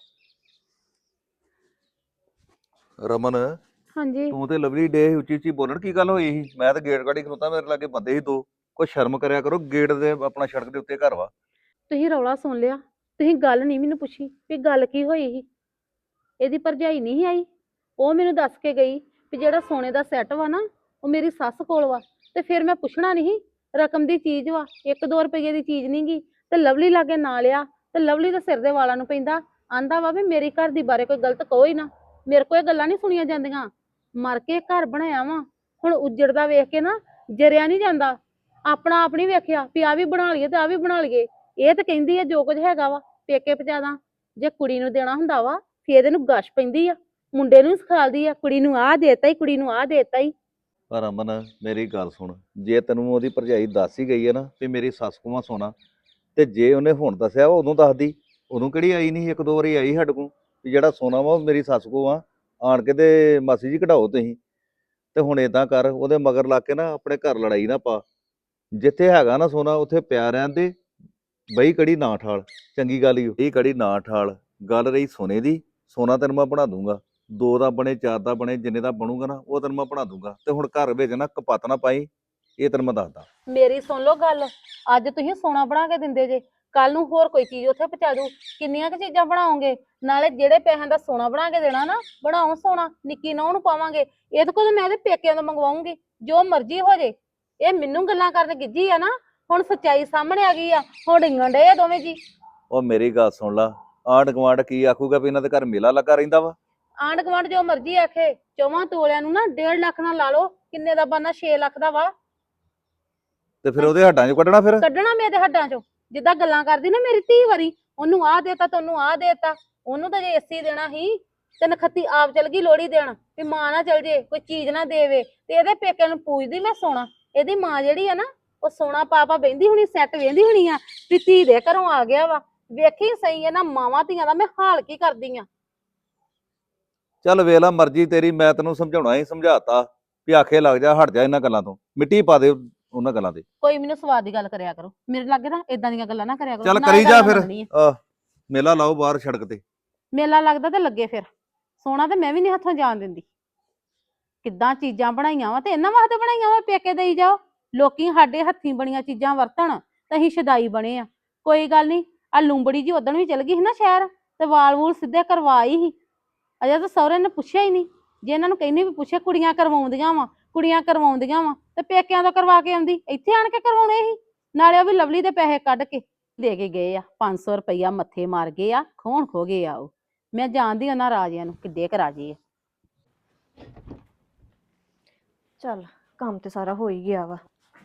ਰਮਨ,
ਹਾਂਜੀ।
ਤੂੰ ਤੇ ਲਵਲੀ ਡੇ ਉੱਚੀ ਉੱਚੀ ਬੋਲਣ, ਕੀ ਗੱਲ ਹੋਈ ਸੀ? ਮੈਂ ਤਾਂ ਗੇਟ ਗਾੜੀ ਖਲੋਤਾ, ਮੇਰੇ ਲਾਗੇ ਬੰਦੇ ਸੀ ਦੋ। ਕੋਈ ਸ਼ਰਮ ਕਰਿਆ ਕਰੋ, ਗੇਟ ਦੇ ਆਪਣਾ ਸੜਕ ਦੇ ਉੱਤੇ ਘਰ ਵਾ।
ਤੁਸੀਂ ਰੌਲਾ ਸੁਣ ਲਿਆ, ਤੁਸੀਂ ਗੱਲ ਨਹੀਂ ਮੈਨੂੰ ਪੁੱਛੀ ਵੀ ਗੱਲ ਕੀ ਹੋਈ ਸੀ। ਇਹਦੀ ਭਰਜਾਈ ਨਹੀਂ ਸੀ ਆਈ, ਉਹ ਮੈਨੂੰ ਦੱਸ ਕੇ ਗਈ ਵੀ ਜਿਹੜਾ ਸੋਨੇ ਦਾ ਸੈੱਟ ਵਾ ਨਾ ਉਹ ਮੇਰੀ ਸੱਸ ਕੋਲ ਵਾ। ਤੇ ਫਿਰ ਮੈਂ ਪੁੱਛਣਾ ਨਹੀਂ, ਰਕਮ ਦੀ ਚੀਜ਼ ਵਾ, ਇੱਕ ਦੋ ਰੁਪਏ ਦੀ ਚੀਜ਼ ਨਹੀਂ ਗੀ। ਤੇ ਲਵਲੀ ਲਾਗੇ ਨਾ ਲਿਆ ਤੇ ਲਵਲੀ ਦੇ ਸਿਰ ਦੇ ਵਾਲਾਂ ਨੂੰ ਪੈਂਦਾ। ਆਂਦਾ ਵਾ ਵੀ ਮੇਰੀ ਘਰ ਦੀ ਬਾਰੇ ਕੋਈ ਗਲਤ ਕਹੋ ਹੀ ਨਾ। ਮੇਰੇ ਕੋਲ ਇਹ ਗੱਲਾਂ ਨਹੀਂ ਸੁਣੀਆਂ ਜਾਂਦੀਆਂ। ਮਰ ਕੇ ਘਰ ਬਣਾਇਆ ਵਾ, ਹੁਣ ਉੱਜੜਦਾ ਵੇਖ ਕੇ ਨਾ ਜਰਿਆ ਨਹੀਂ ਜਾਂਦਾ। ਆਪਣਾ ਆਪ ਨੀ ਵੇਖਿਆ ਵੀ ਆ ਵੀ ਬਣਾ ਲਈਏ ਤੇ ਆ ਵੀ ਬਣਾ ਲਈਏ। ਇਹ ਤਾਂ ਕਹਿੰਦੀ ਆ ਜੋ ਕੁਝ ਹੈਗਾ ਵਾ ਪੇਕੇ ਪਜਾਦਾ। ਜੇ ਕੁੜੀ ਨੂੰ ਦੇਣਾ ਹੁੰਦਾ ਵਾ ਫੇਰ ਇਹਨੂੰ ਗਸ਼ ਪੈਂਦੀ ਆ, ਮੁੰਡੇ ਨੂੰ ਸਿਖਾਲਦੀ ਆ ਕੁੜੀ ਨੂੰ ਆਹ ਦੇਤਾ ਹੀ, ਕੁੜੀ ਨੂੰ ਆਹ ਦੇਤਾ ਹੀ।
ਪਰ ਅਮਨ ਮੇਰੀ ਗੱਲ ਸੁਣ, ਜੇ ਤੈਨੂੰ ਉਹਦੀ ਭਰਜਾਈ ਦੱਸ ਹੀ ਗਈ ਹੈ ਨਾ ਵੀ ਮੇਰੀ ਸੱਸ ਕੋਲ ਸੋਨਾ, ਤੇ ਜੇ ਉਹਨੇ ਹੁਣ ਦੱਸਿਆ ਵਾ ਉਦੋਂ ਦੱਸਦੀ। ਉਦੋਂ ਕਿਹੜੀ ਆਈ ਨਹੀਂ, ਇੱਕ ਦੋ ਵਾਰੀ ਆਈ ਸਾਡੇ ਕੋਲ ਵੀ ਜਿਹੜਾ ਸੋਨਾ ਵਾ ਉਹ ਮੇਰੀ ਸੱਸ ਕੋਲ ਆ, ਆਣ ਕੇ ਤੇ ਮਾਸੀ ਜੀ ਕਢਾਓ ਤੁਸੀਂ। ਤੇ ਹੁਣ ਏਦਾਂ ਕਰ, ਉਹਦੇ ਮਗਰ ਲੱਗ ਕੇ ਨਾ ਆਪਣੇ ਘਰ ਲੜਾਈ ਨਾ ਪਾ। ਜਿੱਥੇ ਹੈਗਾ ਨਾ ਸੋਨਾ ਉੱਥੇ ਪਿਆ ਰਹਿਣ ਦੇ। ਬਈ ਕੜੀ ਨਾ ਠਾਲ, ਚੰਗੀ ਗੱਲ ਹੀ ਇਹ ਕੜੀ ਨਾ ਠਾਲ। ਗੱਲ ਰਹੀ ਸੋਨੇ ਦੀ, ਸੋਨਾ ਤੈਨੂੰ ਮੈਂ ਬਣਾ ਦੂੰਗਾ, ਦੋ ਦਾ ਬਣੇ ਚਾਰ ਦਾ ਬਣੇ ਜਿੰਨੇ ਦਾ ਬਣੂਗਾ ਨਾ ਉਹ ਤੈਨੂੰ ਮੈਂ ਬਣਾ ਦੂੰਗਾ। ਤੇ ਹੁਣ ਘਰ ਵਿੱਚ ਨਾ ਕਪੱਤ ਨਾ ਪਾਈ, ਇਹ ਤੈਨੂੰ ਮੈਂ ਦੱਸਦਾ।
ਮੇਰੀ ਸੁਣ ਲਓ ਗੱਲ, ਅੱਜ ਤੁਸੀਂ ਸੋਨਾ ਬਣਾ ਕੇ ਦਿੰਦੇ ਜੇ, ਕੱਲ ਨੂੰ ਹੋਰ ਕੋਈ ਚੀਜ਼ ਉੱਥੇ ਪਹੁੰਚਾ ਦੂ। ਕਿੰਨੀਆਂ ਕੁ ਚੀਜ਼ਾਂ ਬਣਾਓਗੇ? ਨਾਲੇ ਜਿਹੜੇ ਪੈਸਿਆਂ ਦਾ ਸੋਨਾ ਬਣਾ ਕੇ ਦੇਣਾ ਨਾ, ਬਣਾਓ ਸੋਨਾ, ਨਿੱਕੀ ਨਹੁੰ ਨੂੰ ਪਾਵਾਂਗੇ। ਇਹਦੇ ਕੋਲ ਮੈਂ ਇਹਦੇ ਪੇਕਿਆਂ ਤੋਂ ਮੰਗਵਾਉਂਗੀ, ਜੋ ਮਰਜ਼ੀ ਹੋ ਜੇ। ਇਹ ਮੈਨੂੰ ਗੱਲਾਂ ਕਰਨ ਗਿੱਜੀ ਆ ਨਾ, ਹੁਣ ਸੱਚਾਈ ਸਾਹਮਣੇ ਆ ਗਈ ਆ, ਹੁਣ ਡਿੰਗਣ ਡਏ ਆ ਦੋਵੇਂ ਜੀ।
ਉਹ ਮੇਰੀ ਗੱਲ ਸੁਣ ਲਾ, ਆਂਢ ਗੁਆਂਢ ਕੀ ਆਖੂਗਾ ਵੀ ਇਹਨਾਂ ਦੇ ਘਰ ਮੇਲਾ ਲੱਗਾ ਰਹਿੰਦਾ ਵਾ।
ਆਂਢ ਗੁਆਂਢ ਜੋ ਮਰਜ਼ੀ ਆਖੇ, ਚੌਵਾਂ ਤੋਲਿਆਂ ਨੂੰ ਨਾ ਡੇਢ ਲੱਖ ਨਾਲ ਲਾ ਲਓ, ਕਿੰਨੇ ਦਾ ਬਣਨਾ? ਛੇ ਲੱਖ ਦਾ ਵਾ।
ਤੇ ਫਿਰ ਉਹਦੇ ਹੱਡਾਂ 'ਚੋਂ ਕੱਢਣਾ ਫਿਰ।
ਕੱਢਣਾ ਮੇਰੇ ਹੱਡਾਂ ਚੋਂ, ਜਿੱਦਾਂ ਗੱਲਾਂ ਕਰਦੀ ਨਾ ਮੇਰੀ ਧੀ ਵਾਰੀ, ਉਹਨੂੰ ਆਹ ਦੇਤਾ ਤੈਨੂੰ ਆਹ ਦੇਤਾ। ਉਹਨੂੰ ਤਾਂ ਜੇ ਏਸੀ ਦੇਣਾ ਸੀ ਤੇ ਨਖੱਤੀ ਆਪ ਚਲ ਗਈ ਲੋਹੜੀ ਦੇਣ ਵੀ ਮਾਂ ਨਾ ਚਲ ਜੇ, ਕੋਈ ਚੀਜ਼ ਨਾ ਦੇਵੇ। ਤੇ ਇਹਦੇ ਪੇਕਿਆਂ ਨੂੰ ਪੂਜਦੀ ਮੈਂ ਸੋਨਾ। ਇਹਦੀ ਮਾਂ ਜਿਹੜੀ ਆ ਨਾ ਉਹ ਸੋਨਾ ਪਾ ਪਾ ਬਹਿੰਦੀ ਹੋਣੀ, ਸੈੱਟ ਵੇਂਦੀ ਹੋਣੀ ਆ ਵੀ ਧੀ ਦੇ ਘਰੋਂ ਆ ਗਿਆ ਵਾ। ਵੇਖੀ ਸਹੀ ਹੈ ਨਾ ਮਾਵਾਂ ਧੀਆਂ ਦਾ ਮੈਂ ਹਾਲ ਕੀ ਕਰਦੀ ਆ।
ਚੱਲ ਵੇਖ ਲਾ ਮਰਜ਼ੀ ਤੇਰੀ, ਮੈਂ ਤੈਨੂੰ ਸਮਝਾਉਣਾ ਹੀ ਸਮਝਾਤਾ ਵੀ ਆਖੇ ਲੱਗ ਜਾ, ਹਟ ਜਾ ਇਹਨਾਂ ਗੱਲਾਂ ਤੋਂ, ਮਿੱਟੀ ਪਾ ਦੇ ਉਹਨਾਂ ਗੱਲਾਂ ਤੇ।
ਕੋਈ ਮੈਨੂੰ ਸਵਾਦ ਦੀ ਗੱਲ ਕਰਿਆ ਕਰੋ, ਮੇਰੇ ਲਾਗੇ ਨਾ ਇਦਾਂ ਦੀਆਂ ਗੱਲਾਂ ਨਾ ਕਰਿਆ ਕਰੋ।
ਚੱਲ
ਨਾ
ਕਰੀ
ਇਹ
ਜਾ
ਗੱਲ
ਫਿਰ,
ਮੰਨਣੀ ਆ।
ਆਹ ਮੇਲਾ ਲਾਓ ਬਾਹਰ ਸੜਕ ਤੇ।
ਮੇਲਾ ਲੱਗਦਾ ਤੇ ਲੱਗੇ ਫਿਰ, ਸੋਨਾ ਤੇ ਮੈਂ ਵੀ ਨਹੀਂ ਹੱਥੋਂ ਜਾਣ ਦਿੰਦੀ। ਕਿੱਦਾਂ ਚੀਜ਼ਾਂ ਬਣਾਈਆਂ ਵਾ ਤੇ ਇਹਨਾਂ ਵਾਸਤੇ ਬਣਾਈਆਂ ਵਾ, ਪੇਕੇ ਦੇਈ ਜਾਓ। ਲੋਕੀ ਸਾਡੇ ਹੱਥੀਂ ਬਣੀਆਂ ਚੀਜ਼ਾਂ ਵਰਤਣ ਤੇ ਅਸੀਂ ਸ਼ਦਾਈ ਬਣੇ ਆ। ਕੋਈ ਗੱਲ ਨਹੀਂ, ਆ ਲੂੰਬੜੀ ਜੀ ਉਦਣ ਵੀ ਚਲ ਗਈ ਸੀ ਨਾ ਸ਼ਹਿਰ, ਤੇ ਵਾਲ ਵੂਲ ਸਿੱਧੇ ਕਰਵਾਈ ਸੀ। ਅਜੇ ਤਾਂ ਸਹੁਰੇ ਨੇ ਪੁੱਛਿਆ ਹੀ ਨਹੀਂ। ਜੇ ਇਹਨਾਂ ਨੂੰ ਕਹਿੰਦੀ ਵੀ ਪੁੱਛਿਆ, ਕੁੜੀਆਂ ਕਰਵਾਉਂਦੀਆਂ ਵਾ, ਕੁੜੀਆਂ ਕਰਵਾਉਂਦੀਆਂ ਵਾ, ਤੇ ਪੇਕਿਆਂ ਤੋਂ ਕਰਵਾ ਕੇ ਆਉਂਦੀ, ਇੱਥੇ ਆਣ ਕੇ ਕਰਵਾਉਣੇ ਸੀ। ਨਾਲੇ ਉਹ ਵੀ ਲਵਲੀ ਦੇ ਪੈਸੇ ਕੱਢ ਕੇ ਦੇ ਕੇ ਗਏ ਆ, ਪੰਜ ਸੌ ਰੁਪਈਆ ਮੱਥੇ ਮਾਰ ਗਏ ਆ, ਖੋਣ ਖੋ ਗਏ ਆ। ਉਹ ਮੈਂ ਜਾਣਦੀ ਉਹਨਾਂ ਰਾਜਿਆਂ ਨੂੰ ਕਿੱਡੇ ਕੁ ਰਾਜੇ ਆ।
ਚੱਲ ਕੰਮ ਤੇ ਸਾਰਾ ਹੋ ਹੀ ਗਿਆ ਵਾ।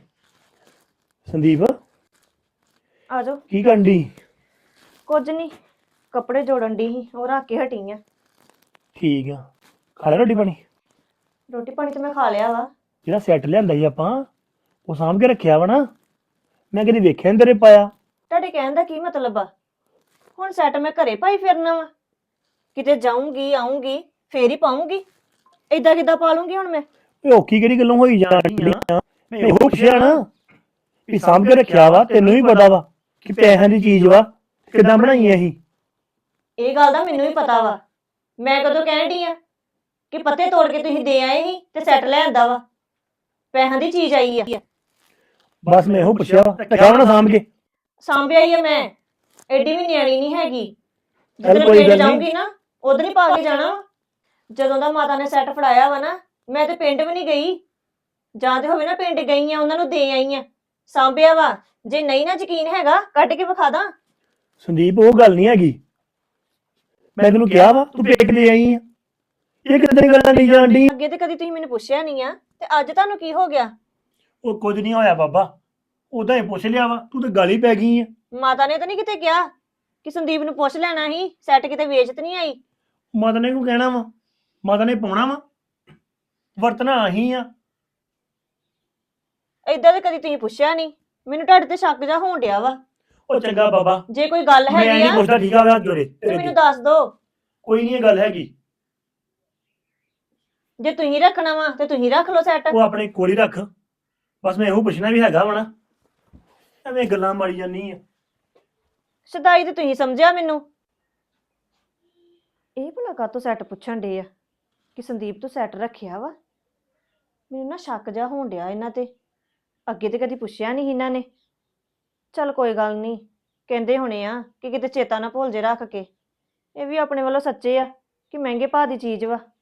ਸੰਦੀਪ
ਆ ਜਾਓ।
ਕੀ ਕਰਨ ਡਈ?
ਕੁਝ ਨਹੀਂ, ਕੱਪੜੇ ਜੋੜਨ ਦੀ ਸੀ, ਉਹ ਰੱਖ ਕੇ ਹਟੀ ਆ।
ਠੀਕ ਆ, ਖਾ ਲਿਆ ਰੋਟੀ ਪਾਣੀ?
ਰੋਟੀ ਪਾਣੀ ਤੇ ਮੈਂ ਖਾ ਲਿਆ ਵਾ।
ਜਿਹੜਾ ਸੈੱਟ ਲਿਆਂਦਾ ਸੀ ਆਪਾਂ, ਉਹ ਸਾਂਭ ਕੇ ਰੱਖਿਆ ਵਾ ਨਾ? ਮੈਂ ਕਦੀ ਵੇਖਿਆ ਨੀ ਤੇਰੇ ਪਾਇਆ।
ਤੁਹਾਡੇ ਕਹਿਣ ਦਾ ਕੀ ਮਤਲਬ ਆ? ਹੁਣ ਸੈੱਟ ਮੈਂ ਘਰੇ ਪਾਈ ਫਿਰਨਾ ਵਾ? ਕਿਤੇ ਜਾਊਂਗੀ ਆਊਂਗੀ ਫੇਰ ਹੀ ਪਾਉਂਗੀ, ਏਦਾਂ ਕਿੱਦਾਂ ਪਾ ਲੂੰਗੀ ਹੁਣ ਮੈਂ?
ਓਏ ਔਖੀ ਕਿਹੜੀ ਗੱਲੋਂ ਹੋਈ ਜਾਂਦੀ ਆ? ਮੈਂ ਇਹੋ ਪੁੱਛਿਆ ਨਾ ਵੀ ਸਾਂਭ ਕੇ ਰੱਖਿਆ ਵਾ, ਤੈਨੂੰ ਵੀ ਪਤਾ ਵਾ ਕਿ ਪੈਸਿਆਂ ਦੀ ਚੀਜ਼ ਵਾ, ਕਿੱਦਾਂ ਬਣਾਈ ਐ ਇਹ?
ਇਹ ਗੱਲ ਦਾ ਮੈਨੂੰ ਵੀ ਪਤਾ ਵਾ। ਮੈਂ ਕਦੋਂ ਕਹਿਣ ਡਈ ਆ ਕਿ ਪੱਤੇ ਤੋੜ ਕੇ ਤੁਸੀਂ ਦੇ ਆਏ ਸੀ ਤੇ ਸੈੱਟ ਲੈ ਆਂਦਾ ਵਾ? ਪੈਸਿਆਂ ਦੀ ਚੀਜ਼ ਆਈ ਆ।
ਬਸ ਮੈਂ ਇਹੋ ਪੁੱਛਿਆ ਵਾ, ਰੱਖਿਆ ਵਾ ਨਾ ਸਾਂਭ ਕੇ?
ਸਾਂਭਿਆ ਹੀ ਆ ਮੈਂ, ਐਡੀ ਵੀ ਨਿਆਣੀ ਨਹੀਂ ਹੈਗੀ।
ਚੱਲ
ਜਦੋਂ
ਕੋਈ
ਪਿੰਡ
ਗੱਲ ਨੀ।
ਜਾਊਂਗੀ ਨਾ ਉਧਰ ਹੀ ਪਾ ਕੇ ਜਾਣਾ ਵਾ। ਜਦੋਂ ਦਾ ਮਾਤਾ ਨੇ ਸੈੱਟ ਫੜਾਇਆ ਵਾ ਨਾ, ਮੈਂ ਤੇ ਪਿੰਡ ਵੀ ਨਹੀਂ ਗਈ। ਜਾਂ ਤੇ ਹੋਵੇ ਨਾ ਪਿੰਡ ਗਈ ਆ, ਉਹਨਾਂ ਨੂੰ ਦੇ ਆਈ ਆ, ਸਾਂਭਿਆ ਵਾ। ਜੇ ਨਹੀਂ ਨਾ ਯਕੀਨ ਹੈਗਾ ਕੱਢ ਕੇ ਵਿਖਾ ਦਾਂ।
ਸੰਦੀਪ ਉਹ ਗੱਲ ਨਹੀਂ ਹੈਗੀ, ਮੈਂ ਤੈਨੂੰ ਕਿਹਾ ਵਾ ਤੂੰ ਪੇਕ ਦੇ ਆਈ ਆ, ਇਹ ਕਿੱਦਾਂ ਦੀ ਗੱਲਾਂ ਨਹੀਂ ਜਾਣ ਡਈ?
ਅੱਗੇ ਤੇ ਕਦੀ ਤੁਸੀਂ ਮੈਨੂੰ ਪੁੱਛਿਆ ਨਹੀਂ ਆ, ਤੇ ਅੱਜ ਤੁਹਾਨੂੰ ਕੀ ਹੋ ਗਿਆ?
ਉਹ ਕੁਝ ਨਹੀਂ ਹੋਇਆ ਬਾਬਾ, ਉਹਦਾ ਹੀ ਪੁੱਛ ਲਿਆ ਵਾ, ਤੂੰ ਤਾਂ ਗਾਲੀ ਪੈ ਗਈ ਆ।
ਮਾਤਾ ਨੇ ਤਾਂ ਨਹੀਂ ਕਿਤੇ ਕਿਹਾ ਕਿ ਸੰਦੀਪ ਨੂੰ ਪੁੱਛ ਲੈਣਾ ਸੀ, ਸੈੱਟ ਕਿਤੇ ਵੇਚ ਤੇ ਨਹੀਂ ਆਈ?
ਮਾਤਾ ਨੇ ਕਿਉਂ ਕਹਿਣਾ ਵਾ? ਮਾਤਾ ਨੇ ਪਾਉਣਾ ਵਾ, ਵਰਤਣਾ ਆਹੀ ਆ।
ਏਦਾਂ ਤੇ ਕਦੀ ਤੁਸੀਂ ਪੁੱਛਿਆ ਨਹੀਂ, ਮੈਨੂੰ ਤੁਹਾਡੇ ਤੇ ਸ਼ੱਕ ਜਾ ਹੋਣ ਡਿਆ ਵਾ।
ਉਹ ਚੰਗਾ ਬਾਬਾ,
ਜੇ ਕੋਈ ਗੱਲ
ਮੈਂ
ਹੈਗੀ
ਨਹੀਂ
ਆ
ਪੁੱਛਦਾ, ਠੀਕ ਆ ਵਾ ਜੋਰੇ
ਤੇ
ਤੇਰੇ
ਮੈਨੂੰ
ਤੇ।
ਦੱਸ ਦੋ।
ਕੋਈ ਨਹੀਂ ਇਹ ਗੱਲ ਹੈਗੀ,
ਜੇ ਤੁਸੀਂ ਰੱਖਣਾ ਵਾ ਤੇ ਤੁਸੀਂ ਰੱਖ ਲਓ ਸੈੱਟ।
ਉਹ ਆਪਣੇ ਕੋਲ ਹੀ ਰੱਖ। ਬਸ ਮੈਂ ਇਹੋ ਪੁੱਛਣਾ ਵੀ ਹੈਗਾ ਵਾ ਨਾ, ਐਵੇਂ ਗੱਲਾਂ ਮਾਰੀ ਜਾਂਦੀ ਆ।
ਸਦਾਈ ਤੇ ਤੁਸੀਂ ਸਮਝਿਆ ਮੈਨੂੰ। ਇਹ ਭਲਾ ਕਾਹਤੋਂ ਸੈੱਟ ਪੁੱਛਣ ਡੇ ਆ ਕਿ ਸੰਦੀਪ ਤੋਂ ਸੈੱਟ ਰੱਖਿਆ ਵਾ? ਮੈਨੂੰ ਨਾ ਸ਼ੱਕ ਜਾ ਹੋਣ ਡਿਆ ਇਹਨਾਂ ਤੇ। ਅੱਗੇ ਤੇ ਕਦੀ ਪੁੱਛਿਆ ਨਹੀਂ ਇਹਨਾਂ ਨੇ। ਚੱਲ ਕੋਈ ਗੱਲ ਨਹੀਂ, ਕਹਿੰਦੇ ਹੋਣੇ ਆ ਕਿ ਕਿਤੇ ਚੇਤਾ ਨਾ ਭੁੱਲ ਜੇ ਰੱਖ ਕੇ। ਇਹ ਵੀ ਆਪਣੇ ਵੱਲੋਂ ਸੱਚੇ ਆ ਕਿ ਮਹਿੰਗੇ ਭਾਅ ਦੀ ਚੀਜ਼ ਵਾ।